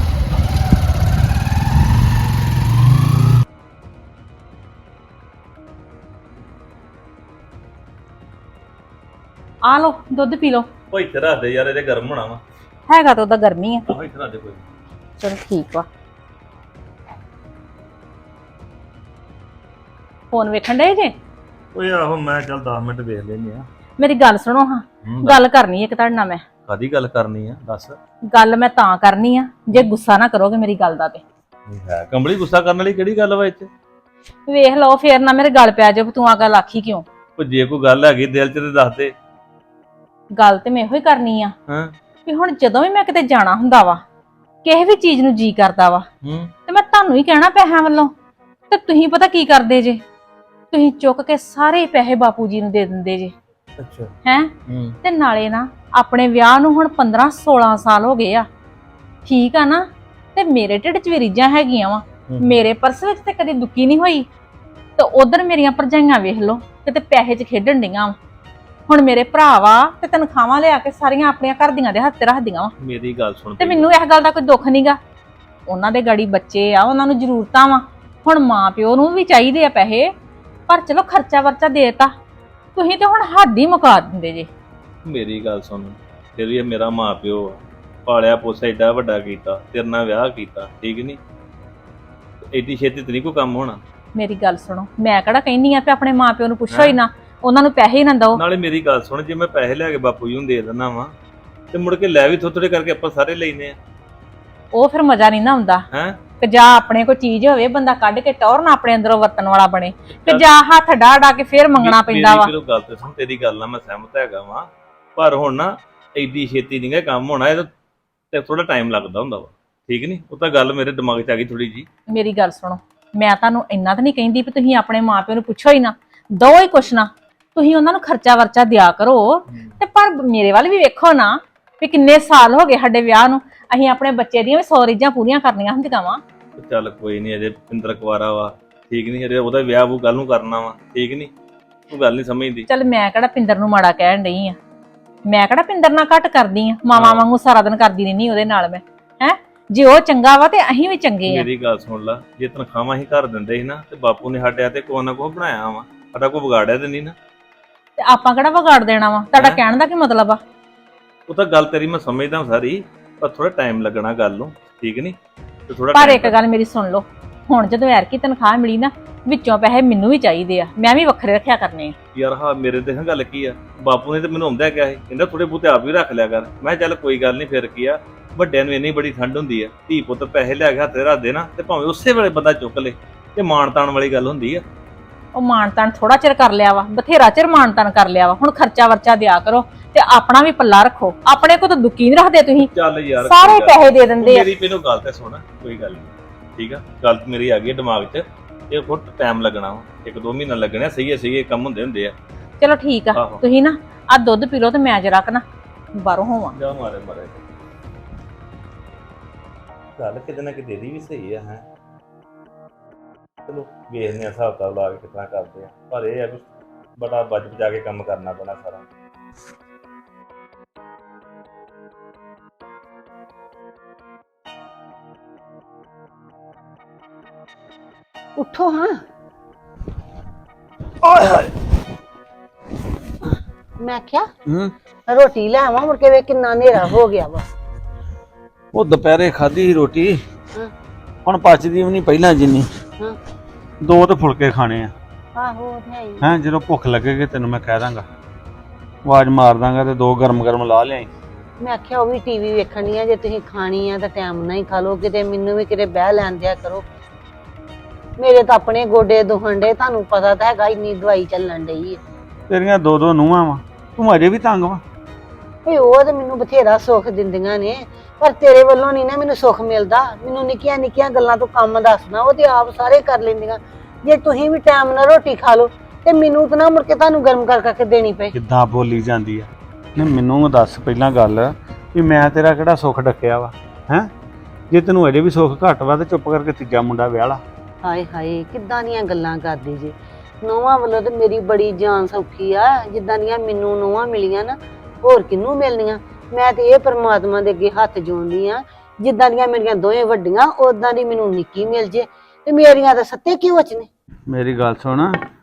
[SPEAKER 6] ਆ ਲੋ ਦੁੱਧ ਪੀ ਲੋ।
[SPEAKER 7] ਉਹ ਇੱਥੇ ਰੱਖ ਦੇ ਯਾਰ, ਇਹਦੇ ਗਰਮ ਹੋਣਾ ਵਾ।
[SPEAKER 6] ਹੈਗਾ ਤਾਂ ਉਹਦਾ ਗਰਮੀ ਆ।
[SPEAKER 7] ਆਹੋ ਇੱਥੇ ਰੱਖ ਦੇ ਕੋਈ।
[SPEAKER 6] ਚਲੋ ਠੀਕ ਵਾ। ਫੋਨ ਵੇਖਣ ਡਏ ਜੇ?
[SPEAKER 7] ਓਏ ਆਹੋ ਮੈਂ ਚੱਲ 10 ਮਿੰਟ ਵੇਖ ਲੈਂਦੇ ਆ।
[SPEAKER 6] ਮੇਰੀ ਗੱਲ ਸੁਣੋ ਹਾਂ, ਗੱਲ ਕਰਨੀ ਇੱਕ ਤੁਹਾਡੇ ਨਾਲ ਮੈਂ।
[SPEAKER 7] ਕਾਦੀ ਗੱਲ ਕਰਨੀ ਆ ਦੱਸ?
[SPEAKER 6] ਗੱਲ ਮੈਂ ਤਾਂ ਕਰਨੀ ਆ ਜੇ ਗੁੱਸਾ ਨਾ ਕਰੋਗੇ ਮੇਰੀ ਗੱਲ ਦਾ ਤੇ।
[SPEAKER 7] ਹੈ ਕੰਬਲੀ, ਗੁੱਸਾ ਕਰਨ ਵਾਲੀ ਕਿਹੜੀ ਗੱਲ ਵਾ ਇੱਥੇ?
[SPEAKER 6] ਵੇਖ ਲਓ ਫੇਰ ਨਾ ਮੇਰੇ ਗੱਲ ਪੈ ਜਾਓ, ਤੂੰ ਆ ਗੱਲ ਆਖੀ ਕਿਉਂ?
[SPEAKER 7] ਉਹ ਜੇ ਕੋਈ ਗੱਲ ਹੈਗੀ ਦਿਲ 'ਚ ਤੇ ਦੱਸ ਦੇ।
[SPEAKER 6] ਗੱਲ ਤੇ ਮੈਂ ਇਹੋ ਹੀ ਕਰਨੀ ਆ
[SPEAKER 7] ਹਾਂ
[SPEAKER 6] ਵੀ ਹੁਣ ਜਦੋਂ ਵੀ ਮੈਂ ਕਿਤੇ ਜਾਣਾ ਹੁੰਦਾ ਵਾ, ਕਿਸੇ ਵੀ ਚੀਜ਼ ਨੂੰ ਜੀ ਕਰਦਾ ਵਾ, ਤੇ ਮੈਂ ਤੁਹਾਨੂੰ ਹੀ ਕਹਿਣਾ ਪੈਸਿਆਂ ਵੱਲੋਂ, ਤੇ ਤੁਸੀਂ ਪਤਾ ਕੀ ਕਰਦੇ ਜੇ? ਤੁਸੀਂ ਚੁੱਕ ਕੇ ਸਾਰੇ ਪੈਸੇ ਬਾਪੂ ਜੀ ਨੂੰ ਦੇ ਦਿੰਦੇ ਜੇ।
[SPEAKER 7] ਅੱਛਾ।
[SPEAKER 6] ਹੈ ਤੇ ਨਾਲੇ ਨਾ ਆਪਣੇ ਵਿਆਹ ਨੂੰ ਹੁਣ 15-16 ਸਾਲ ਹੋ ਗਏ ਆ, ਠੀਕ ਆ ਨਾ, ਤੇ ਮੇਰੇ ਢਿੱਡ 'ਚ ਵੀ ਰੀਝਾਂ ਹੈਗੀਆਂ ਵਾ। ਮੇਰੇ ਪਰਸ ਵਿੱਚ ਤੇ ਕਦੀ ਦੁੱਕੀ ਨਹੀਂ ਹੋਈ, ਤੇ ਉਧਰ ਮੇਰੀਆਂ ਭਰਜਾਈਆਂ ਵੇਖ ਲਓ ਕਿਤੇ ਪੈਸੇ 'ਚ ਖੇਡਣ ਡੀਆਂ ਵਾ। ਹੁਣ ਮੇਰੇ ਭਰਾ ਵਾ ਤੇ ਤਨਖਾਹਾਂ ਲਿਆ ਕੇ ਸਾਰੀਆਂ ਆਪਣੀਆਂ ਘਰ ਦੀਆਂ ਦੇ ਹੱਥ ਤੇ ਰੱਖਦੀਆਂ ਵਾ,
[SPEAKER 7] ਮੇਰੀ ਗੱਲ ਸੁਣ
[SPEAKER 6] ਤੇ ਮੈਨੂੰ ਇਸ ਗੱਲ ਦਾ ਕੋਈ ਦੁੱਖ ਨਹੀਂਗਾ। ਉਹਨਾਂ ਦੇ ਗਾੜੀ ਬੱਚੇ ਆ, ਉਹਨਾਂ ਨੂੰ ਜ਼ਰੂਰਤਾਂ ਵਾ। ਹੁਣ ਮਾਂ ਪਿਓ ਨੂੰ ਵੀ ਚਾਹੀਦੇ ਆ ਪੈਸੇ, ਪਰ ਚਲੋ ਖਰਚਾ ਵਰਚਾ ਦੇਤਾ, ਤੁਸੀਂ ਤੇ ਹੁਣ ਹੱਦ ਹੀ ਮੁਕਾ ਦਿੰਦੇ ਜੇ।
[SPEAKER 7] ਮੇਰੀ ਗੱਲ ਸੁਣ, ਫਿਰ ਵੀ ਇਹ ਮੇਰਾ ਮਾਂ ਪਿਓ ਆ, ਪਾਲਿਆ ਪੋਸਿਆ ਏਡਾ ਵੱਡਾ ਕੀਤਾ, ਤੇਰੇ ਨਾਲ ਵਿਆਹ ਕੀਤਾ, ਠੀਕ ਨਹੀਂ? ਏਡੀ ਛੇਤੀ ਤੇ ਨਹੀਂ ਕੋਈ ਕੰਮ ਹੋਣਾ।
[SPEAKER 6] ਮੇਰੀ ਗੱਲ ਸੁਣੋ, ਮੈਂ ਕਿਹੜਾ ਕਹਿੰਦੀ ਆ ਕਿ ਆਪਣੇ ਮਾਂ ਪਿਓ ਨੂੰ ਪੁੱਛੋ ਹੀ ਨਾ, ਉਹਨਾਂ ਨੂੰ ਪੈਸੇ ਹੀ ਨਾ ਦਿਓ।
[SPEAKER 7] ਨਾਲੇ ਮੇਰੀ ਗੱਲ ਸੁਣ, ਜੇ ਮੈਂ ਪੈਸੇ ਲੈ ਕੇ ਬਾਪੂ ਜੀ ਨੂੰ ਦੇ ਦਿੰਦਾ ਵਾਂ ਤੇ ਮੁੜ ਕੇ ਲੈ ਵੀ ਥੋੜੇ ਕਰਕੇ ਆਪਾਂ ਸਾਰੇ ਲੈਨੇ ਆ।
[SPEAKER 6] ਉਹ ਫਿਰ ਮਜ਼ਾ ਨਹੀਂ ਨਾ ਆਉਂਦਾ
[SPEAKER 7] ਹੈਂ?
[SPEAKER 6] ਕਿ ਜਾਂ ਆਪਣੇ ਕੋਈ ਚੀਜ਼ ਹੋਵੇ ਬੰਦਾ ਕੱਢ ਕੇ ਟੌਰ ਨਾ ਆਪਣੇ ਅੰਦਰੋਂ ਵਰਤਣ ਵਾਲਾ ਬਣੇ, ਕਿ ਜਾਂ ਹੱਥ ਡਾ ਕੇ ਫੇਰ ਮੰਗਣਾ ਪੈਂਦਾ ਵਾ।
[SPEAKER 7] ਮੇਰੀ ਗੱਲ ਤੇ ਸੁਣ, ਤੇਰੀ ਗੱਲ ਨਾਲ ਮੈਂ ਸਹਿਮਤ ਹੈਗਾ ਵਾਂ, ਪਰ ਹੁਣ ਨਾ ਐਡੀ ਛੇਤੀ ਨਹੀਂ ਗਾ ਕੰਮ ਹੋਣਾ, ਇਹ ਤੇ ਥੋੜਾ ਟਾਈਮ ਲੱਗਦਾ ਹੁੰਦਾ ਵਾ, ਠੀਕ ਨਹੀਂ? ਉਹ ਤਾਂ ਗੱਲ ਮੇਰੇ ਦਿਮਾਗ 'ਚ ਆ ਗਈ ਥੋੜੀ ਜੀ।
[SPEAKER 6] ਮੇਰੀ ਗੱਲ ਸੁਣੋ, ਮੈਂ ਤੁਹਾਨੂੰ ਇੰਨਾ ਤਾਂ ਨਹੀਂ ਕਹਿੰਦੀ ਵੀ ਤੁਸੀਂ ਆਪਣੇ ਮਾਪਿਆਂ ਨੂੰ ਪੁੱਛੋ ਹੀ ਨਾ, ਦੋ ਹੀ ਕੁਛ ਨਾ, ਤੁਸੀਂ ਉਹਨਾਂ ਨੂੰ ਖਰਚਾ ਵਰਚਾ ਦਿਆ ਕਰੋ। ਤੇ ਪਰ ਮੇਰੇ ਵੱਲ ਵੀ ਵੇਖੋ ਨਾ, ਵੀ ਕਿੰਨੇ ਸਾਲ ਹੋ ਗਏ ਸਾਡੇ ਵਿਆਹ ਨੂੰ, ਅਸੀਂ ਆਪਣੇ ਬੱਚੇ ਦੀਆਂ ਵੀ 100 ਰੀਝਾਂ ਪੂਰੀਆਂ ਕਰਨੀਆਂ ਹੁੰਦੀਆਂ ਵਾ।
[SPEAKER 7] ਚੱਲ ਕੋਈ ਨਹੀਂ, ਅਜੇ ਪਿੰਦਰ ਕੁਵਾਰਾ ਵਾ, ਠੀਕ ਨਹੀਂ? ਅਜੇ ਉਹਦਾ ਵਿਆਹ ਉਹ ਗੱਲ ਨੂੰ ਕਰਨਾ ਵਾ, ਠੀਕ ਨਹੀਂ? ਤੂੰ ਗੱਲ ਨਹੀਂ ਸਮਝਦੀ।
[SPEAKER 6] ਚੱਲ ਮੈਂ ਕਿਹੜਾ ਪਿੰਦਰ ਨੂੰ ਮਾੜਾ ਕਹਿਣ ਡਈ ਆ, ਮੈਂ ਕਿਹੜਾ ਪਿੰਦਰ ਨਾਲ ਘੱਟ ਕਰਦੀ ਆ, ਮਾਵਾਂ ਵਾਂਗੂ ਸਾਰਾ ਦਿਨ ਕਰਦੀ ਰਹਿੰਦੀ ਉਹਦੇ ਨਾਲ ਮੈਂ। ਹੈ ਜੇ ਉਹ ਚੰਗਾ ਵਾ ਤੇ ਅਸੀਂ ਵੀ ਚੰਗੇ ਆ।
[SPEAKER 7] ਮੇਰੀ ਗੱਲ ਸੁਣ ਲਾ, ਜੇ ਤਨਖਾਹਾਂ ਹੀ ਘਰ ਦਿੰਦੇ ਸੀ ਨਾ, ਤੇ ਬਾਪੂ ਨੇ ਸਾਡੇ ਤੇ ਕੋਈ ਨਾ ਕੋਈ ਬਣਾਇਆ ਵਾ, ਸਾਡਾ ਕੋਈ ਵਿਗਾੜਿਆ ਤੇ ਨਹੀਂ ਨਾ।
[SPEAKER 6] ਤੇ ਆਪਾਂ ਕਿਹੜਾ ਵਿਗਾੜ ਦੇਣਾ ਵਾ? ਤੁਹਾਡਾ ਕਹਿਣ ਦਾ ਕੀ ਮਤਲਬ ਆ?
[SPEAKER 7] ਉਹ ਤਾਂ ਗੱਲ ਤੇਰੀ ਮੈਂ ਸਮਝਦਾ ਸਾਰੀ, ਪਰ ਥੋੜਾ ਟਾਈਮ ਲੱਗਣਾ ਗੱਲ ਨੂੰ, ਠੀਕ ਨਹੀਂ? ਤੇ ਥੋੜਾ
[SPEAKER 6] ਪਰ ਇੱਕ ਗੱਲ ਮੇਰੀ ਸੁਣ ਲਓ, ਹੁਣ ਜਦੋਂ ਐਰਕੀ ਤਨਖਾਹ ਮਿਲੀ ਨਾ, ਵਿੱਚੋਂ ਪੈਸੇ ਮੈਨੂੰ ਵੀ ਚਾਹੀਦੇ ਆ, ਮੈਂ ਵੀ ਵੱਖਰੇ ਰੱਖਿਆ ਕਰਨੇ ਆ।
[SPEAKER 7] ਯਾਰ ਹਾਂ, ਮੇਰੇ ਤੇ ਗੱਲ ਕੀ ਆ, ਬਾਪੂ ਨੇ ਤੇ ਮੈਨੂੰ ਆਉਂਦਾ ਕਿਹਾ ਸੀ, ਕਹਿੰਦਾ ਥੋੜੇ ਬਹੁਤੇ ਆਪ ਵੀ ਰੱਖ ਲਿਆ ਕਰ। ਮੈਂ ਚੱਲ ਕੋਈ ਗੱਲ ਨਹੀਂ, ਫਿਰ ਕੀ ਆ, ਵੱਡਿਆਂ ਨੂੰ ਇੰਨੀ ਬੜੀ ਠੰਡ ਹੁੰਦੀ ਆ, ਧੀ ਪੁੱਤ ਪੈਸੇ ਲਿਆ ਕੇ ਹੱਥੇ ਰੱਖ ਦੇ ਨਾ, ਤੇ ਭਾਵੇਂ ਉਸੇ ਵੇਲੇ ਬੰਦਾ ਚੁੱਕ ਲੇ, ਤੇ ਮਾਣ ਤਾਣ ਵਾਲੀ ਗੱਲ ਹੁੰਦੀ ਆ।
[SPEAKER 6] ਉਹ ਮਾਣ ਤਾਣ ਥੋੜਾ ਚਿਰ ਕਰ ਲਿਆ ਵਾ, ਬਥੇਰਾ ਚਿਰ ਮਾਣ ਤਾਣ ਕਰ ਲਿਆ ਵਾ, ਹੁਣ ਖਰਚਾ ਵਰਚਾ ਦਿਆ ਕਰੋ ਤੇ ਆਪਣਾ ਵੀ ਪੱਲਾ ਰੱਖੋ। ਆਪਣੇ ਕੋ ਤਾਂ ਦੁੱਕੀ ਨਹੀਂ ਰੱਖਦੇ ਤੁਸੀਂ,
[SPEAKER 7] ਚੱਲ ਯਾਰ
[SPEAKER 6] ਸਾਰੇ ਪੈਸੇ ਦੇ ਦਿੰਦੇ ਆ।
[SPEAKER 7] ਮੇਰੀ ਮੈਨੂੰ ਗੱਲ ਤੇ ਸੁਣ, ਕੋਈ ਗੱਲ ਨਹੀਂ, ਠੀਕ ਆ? ਗੱਲ ਮੇਰੀ ਆ ਗਈ ਦਿਮਾਗ 'ਚ, ਇਹ ਬਹੁਤ ਟਾਈਮ ਲੱਗਣਾ ਵਾ, 1-2 ਮਹੀਨਾ ਲੱਗਣਾ, ਸਹੀ ਕੰਮ ਹੁੰਦੇ ਆ।
[SPEAKER 6] ਚਲੋ ਠੀਕ ਆ, ਤੁਸੀਂ ਨਾ ਆ ਦੁੱਧ ਪੀ ਲਓ ਤੇ ਮੈਂ ਜਰਾ ਨਾ ਬਾਹਰੋਂ ਹੋਵਾਂ।
[SPEAKER 7] ਜਾ ਮਾਰੇ ਗੱਲ ਕਿਤੇ ਨਾ ਕਿਤੇ ਦੀ ਵੀ ਸਹੀ ਆ। ਹੈ ਚਲੋ ਵੇਖਦੇ ਆ ਹਿਸਾਬ ਕਿਤਾਬ ਲਾ ਕੇ ਕਿਤਨਾ ਕਰਦੇ ਆ, ਪਰ ਇਹ ਆ ਵੀ ਬੜਾ ਬਚ ਬਚਾ ਕੇ ਕੰਮ ਕਰਨਾ ਪੈਣਾ ਸਾਰਾ।
[SPEAKER 5] ਉੱਠੋ ਹਾਂ। ਮੈਂ ਕਿਹਾ ਰੋਟੀ ਲੈ ਆਵਾਂ, ਮੁੜ ਕੇ ਵੇ ਕਿੰਨਾ ਹਨੇਰਾ ਹੋ ਗਿਆ ਵਾ।
[SPEAKER 8] ਉਹ ਦੁਪਹਿਰੇ ਖਾਧੀ ਸੀ ਰੋਟੀ,
[SPEAKER 5] ਹਾਂ।
[SPEAKER 8] ਹੁਣ ਪਚਦੀ ਵੀ ਨਹੀਂ ਪਹਿਲਾਂ ਜਿੰਨੀ।
[SPEAKER 5] ਹਾਂ।
[SPEAKER 8] 2 ਤੇ ਫੁਲਕੇ ਖਾਣੇ ਆ।
[SPEAKER 5] ਆਹੋ ਉਹ ਤੇ ਹੈ ਹੀ।
[SPEAKER 8] ਹੈਂ, ਜਦੋਂ ਭੁੱਖ ਲੱਗੇਗੀ ਤੈਨੂੰ ਮੈਂ ਕਹਿ ਦਾਂਗਾ, ਆਵਾਜ਼ ਮਾਰ ਦਾਂਗਾ, ਤੇ 2 ਗਰਮ ਲਾ ਲਿਆਈ।
[SPEAKER 5] ਮੈਂ ਆਖਿਆ ਉਹ ਵੀ ਟੀਵੀ ਵੇਖਣੀ ਆ, ਜੇ ਤੁਸੀਂ ਖਾਣੀ ਆ ਤਾਂ ਟਾਈਮ ਨਾਲ ਹੀ ਖਾ ਲਓ, ਕਿਤੇ ਮੈਨੂੰ ਵੀ ਕਿਤੇ ਬਹਿ ਲੈਣ ਦਿਆ ਕਰੋ। ਮੇਰੇ ਤਾਂ ਆਪਣੇ ਗੋਡੇ ਦੁਖਣ ਡੇ, ਤੁਹਾਨੂੰ ਪਤਾ ਤਾਂ ਹੈਗਾ, ਇੰਨੀ ਦਵਾਈ ਚੱਲਣ ਡਈ ਹੈ।
[SPEAKER 8] ਤੇਰੀਆਂ 2 ਨੂੰਹਾਂ ਵਾ, ਤੂੰ ਅਜੇ ਵੀ ਤੰਗ ਵਾ।
[SPEAKER 5] ਓਏ ਉਹ ਤੇ ਮੈਨੂੰ ਬਥੇਰਾ ਸੁੱਖ ਦਿੰਦੀਆਂ ਨੇ, ਪਰ ਤੇਰੇ ਵੱਲੋਂ ਨਹੀਂ ਨਾ ਮੈਨੂੰ ਸੁੱਖ ਮਿਲਦਾ। ਮੈਨੂੰ ਨਿੱਕੀਆਂ ਨਿੱਕੀਆਂ ਗੱਲਾਂ ਤੋਂ ਕੰਮ ਦੱਸਣਾ, ਉਹ ਤੇ ਆਪ ਸਾਰੇ ਕਰ ਲੈਂਦੀਆਂ। ਜੇ ਤੁਸੀਂ ਵੀ ਟਾਈਮ ਨਾਲ ਰੋਟੀ ਖਾ ਲਓ ਤੇ ਮੈਨੂੰ ਤਾਂ ਨਾ ਮੁੜ ਕੇ ਤੁਹਾਨੂੰ ਗਰਮ ਕਰ ਕਰਕੇ ਦੇਣੀ ਪਏ।
[SPEAKER 8] ਕਿੱਦਾਂ ਬੋਲੀ ਜਾਂਦੀ ਆ? ਨਹੀਂ ਮੈਨੂੰ ਦੱਸ ਪਹਿਲਾਂ ਗੱਲ ਵੀ ਮੈਂ ਤੇਰਾ ਕਿਹੜਾ ਸੁੱਖ ਡੱਕਿਆ ਵਾ? ਹੈਂ, ਜੇ ਤੈਨੂੰ ਅਜੇ ਵੀ ਸੁੱਖ ਘੱਟ ਵਾ ਤੇ ਚੁੱਪ ਕਰਕੇ ਤੀਜਾ ਮੁੰਡਾ ਵਿਆਹ ਲਾ।
[SPEAKER 5] ਹਾਏ ਹਾਏ, ਕਿੱਦਾਂ ਦੀਆਂ ਗੱਲਾਂ ਕਰਦੀ ਜੀ। ਨੋਹਾਂ ਵੱਲੋਂ ਤੇ ਮੇਰੀ ਬੜੀ ਜਾਨ ਸੌਖੀ ਆ, ਜਿੱਦਾਂ ਦੀਆਂ ਮੈਨੂੰ ਨੋਹਾਂ ਮਿਲੀਆਂ ਨਾ, ਹੋਰ ਕਿਹਨੂੰ ਮਿਲਣੀਆਂ। ਮੈਂ ਤੇ ਇਹ ਪਰਮਾਤਮਾ ਦੇ ਅੱਗੇ ਹੱਥ ਜੋੜਦੀ ਆ, ਜਿੱਦਾਂ ਦੀਆਂ ਮੇਰੀਆਂ ਦੋਵੇਂ ਵੱਡੀਆਂ, ਉਦਾਂ ਦੀ ਮੈਨੂੰ ਨਿੱਕੀ ਮਿਲ ਜੇ, ਤੇ ਮੇਰੀਆਂ ਤਾਂ ਸੱਤੇ ਕਿਉਂ ਚ ਨੇ।
[SPEAKER 8] ਮੇਰੀ ਗੱਲ ਸੁਣ,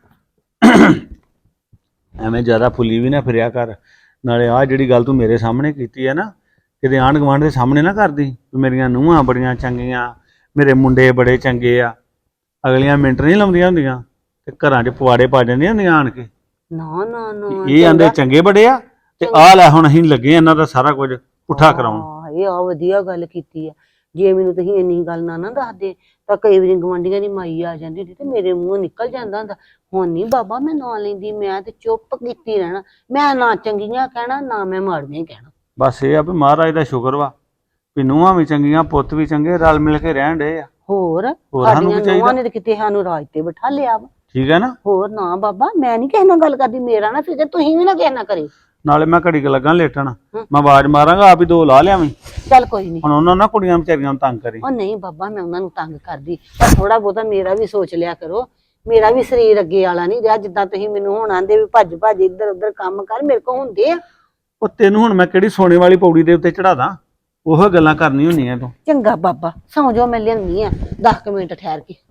[SPEAKER 8] ਐਵੇਂ ਜ਼ਿਆਦਾ ਫੁੱਲੀ ਵੀ ਨਾ ਫਿਰਿਆ ਕਰ। ਨਾਲੇ ਆਹ ਜਿਹੜੀ ਗੱਲ ਤੂੰ ਮੇਰੇ ਸਾਹਮਣੇ ਕੀਤੀ ਹੈ ਨਾ, ਕਿਤੇ ਆਂਢ ਗੁਆਂਢ ਦੇ ਸਾਹਮਣੇ ਨਾ ਕਰਦੀ ਵੀ ਮੇਰੀਆਂ ਨੂੰਹਾਂ ਬੜੀਆਂ ਚੰਗੀਆਂ, ਮੇਰੇ ਮੁੰਡੇ ਬੜੇ ਚੰਗੇ ਆ। ਅਗਲੀਆਂ ਮਿੰਟ ਨਹੀਂ ਲਾਉਂਦੀਆਂ ਹੁੰਦੀਆਂ ਤੇ ਘਰਾਂ 'ਚ ਪਵਾੜੇ ਪਾ ਜਾਂਦੀਆਂ ਹੁੰਦੀਆਂ ਆਣ ਕੇ।
[SPEAKER 5] ਨਾ ਨਾ ਨਾ,
[SPEAKER 8] ਇਹ ਆਂਦੇ ਚੰਗੇ ਬੜੇ ਆ, ਤੇ ਆਹ ਲੈ ਹੁਣ ਅਸੀਂ ਲੱਗੇ ਇਹਨਾਂ ਦਾ ਸਾਰਾ ਕੁਝ ਪੁੱਠਾ ਕਰਾਉਣ।
[SPEAKER 5] ਇਹ ਆ ਵਧੀਆ ਗੱਲ ਕੀਤੀ ਆ। ਜੇ ਮੈਨੂੰ ਤੁਸੀਂ ਇੰਨੀ ਗੱਲ ਨਾ ਦੱਸਦੇ ਤਾਂ ਕਈ ਵਾਰੀ ਗਵਾਂਢੀਆਂ ਦੀ ਮਾਈ ਆ ਜਾਂਦੀ ਹੁੰਦੀ ਤੇ ਮੇਰੇ ਮੂੰਹੋਂ ਨਿਕਲ ਜਾਂਦਾ ਹੁੰਦਾ। ਹੁਣ ਨਹੀਂ ਬਾਬਾ ਮੈਂ ਨਾਂ ਲੈਂਦੀ, ਮੈਂ ਤੇ ਚੁੱਪ ਕੀਤੀ ਰਹਿਣਾ। ਮੈਂ ਨਾ ਚੰਗੀਆਂ ਕਹਿਣਾ, ਨਾ ਮੈਂ ਮਾੜੀਆਂ ਕਹਿਣਾ।
[SPEAKER 8] ਬਸ ਇਹ ਆ ਵੀ ਮਹਾਰਾਜ ਦਾ ਸ਼ੁਕਰ ਵਾ ਵੀ ਨੂੰਹਾਂ ਵੀ ਚੰਗੀਆਂ, ਪੁੱਤ ਵੀ ਚੰਗੇ, ਰਲ ਮਿਲ ਕੇ ਰਹਿਣ ਡੇ ਆ।
[SPEAKER 5] ਹੋਰ
[SPEAKER 8] ਸਾਨੂੰ
[SPEAKER 5] ਸਾਡੀਆਂ ਨੂੰਹਾਂ ਨੇ ਤੇ ਕਿਤੇ ਸਾਨੂੰ ਰਾਜ ਤੇ ਬਿਠਾ ਲਿਆ ਵਾ।
[SPEAKER 8] ਠੀਕ ਹੈ ਨਾ?
[SPEAKER 5] ਹੋਰ ਨਾ ਬਾਬਾ, ਮੈਂ ਨਹੀਂ ਕਿਸੇ ਨਾਲ ਗੱਲ ਕਰਦੀ, ਮੇਰਾ ਨਾ ਫਿਕਰ ਤੁਸੀਂ ਵੀ ਨਾ ਕਿਸੇ ਨਾਲ ਕਰਿਓ।
[SPEAKER 8] ਨਾਲੇ ਮੈਂ ਘੜੀ ਕੁ ਲੱਗਾ ਲੇਟਣ, ਮੈਂ ਆਵਾਜ਼ ਮਾਰਾਂਗਾ ਆਪ ਹੀ 2 ਲਾ ਲਿਆਵੀਂ।
[SPEAKER 5] ਚੱਲ ਕੋਈ ਨਹੀਂ।
[SPEAKER 8] ਹੁਣ ਉਹਨਾਂ ਨਾ ਕੁੜੀਆਂ ਵਿਚਾਰੀਆਂ ਨੂੰ ਤੰਗ ਕਰੀ।
[SPEAKER 5] ਉਹ ਨਹੀਂ ਬਾਬਾ, ਮੈਂ ਉਹਨਾਂ ਨੂੰ ਤੰਗ ਕਰਦੀ, ਪਰ ਥੋੜਾ ਬਹੁਤਾ ਮੇਰਾ ਵੀ ਸੋਚ ਲਿਆ ਕਰੋ। ਮੇਰਾ ਵੀ ਸਰੀਰ ਅੱਗੇ ਵਾਲਾ ਨਹੀਂ ਰਿਹਾ, ਜਿੱਦਾਂ ਤੁਸੀਂ ਮੈਨੂੰ ਹੁਣ ਆਂਦੇ ਵੀ ਭੱਜ ਭੱਜ ਇੱਧਰ ਉੱਧਰ ਕੰਮ ਕਰ, ਮੇਰੇ ਕੋਲ ਹੁੰਦੇ ਆ।
[SPEAKER 8] ਉਹ ਤੈਨੂੰ ਹੁਣ ਮੈਂ ਕਿਹੜੀ ਸੋਨੇ ਵਾਲੀ ਪੌੜੀ ਦੇ ਉੱਤੇ ਚੜਾ ਦਾਂ? ਉਹ ਗੱਲਾਂ ਕਰਨੀ ਹੁੰਦੀਆਂ ਤੂੰ।
[SPEAKER 5] ਚੰਗਾ ਬਾਬਾ, ਸੌਂ ਜਾਓ, ਮੈਂ ਲਿਆਉਣੀ ਆ 10 ਮਿੰਟ ਠਹਿਰ ਕੇ।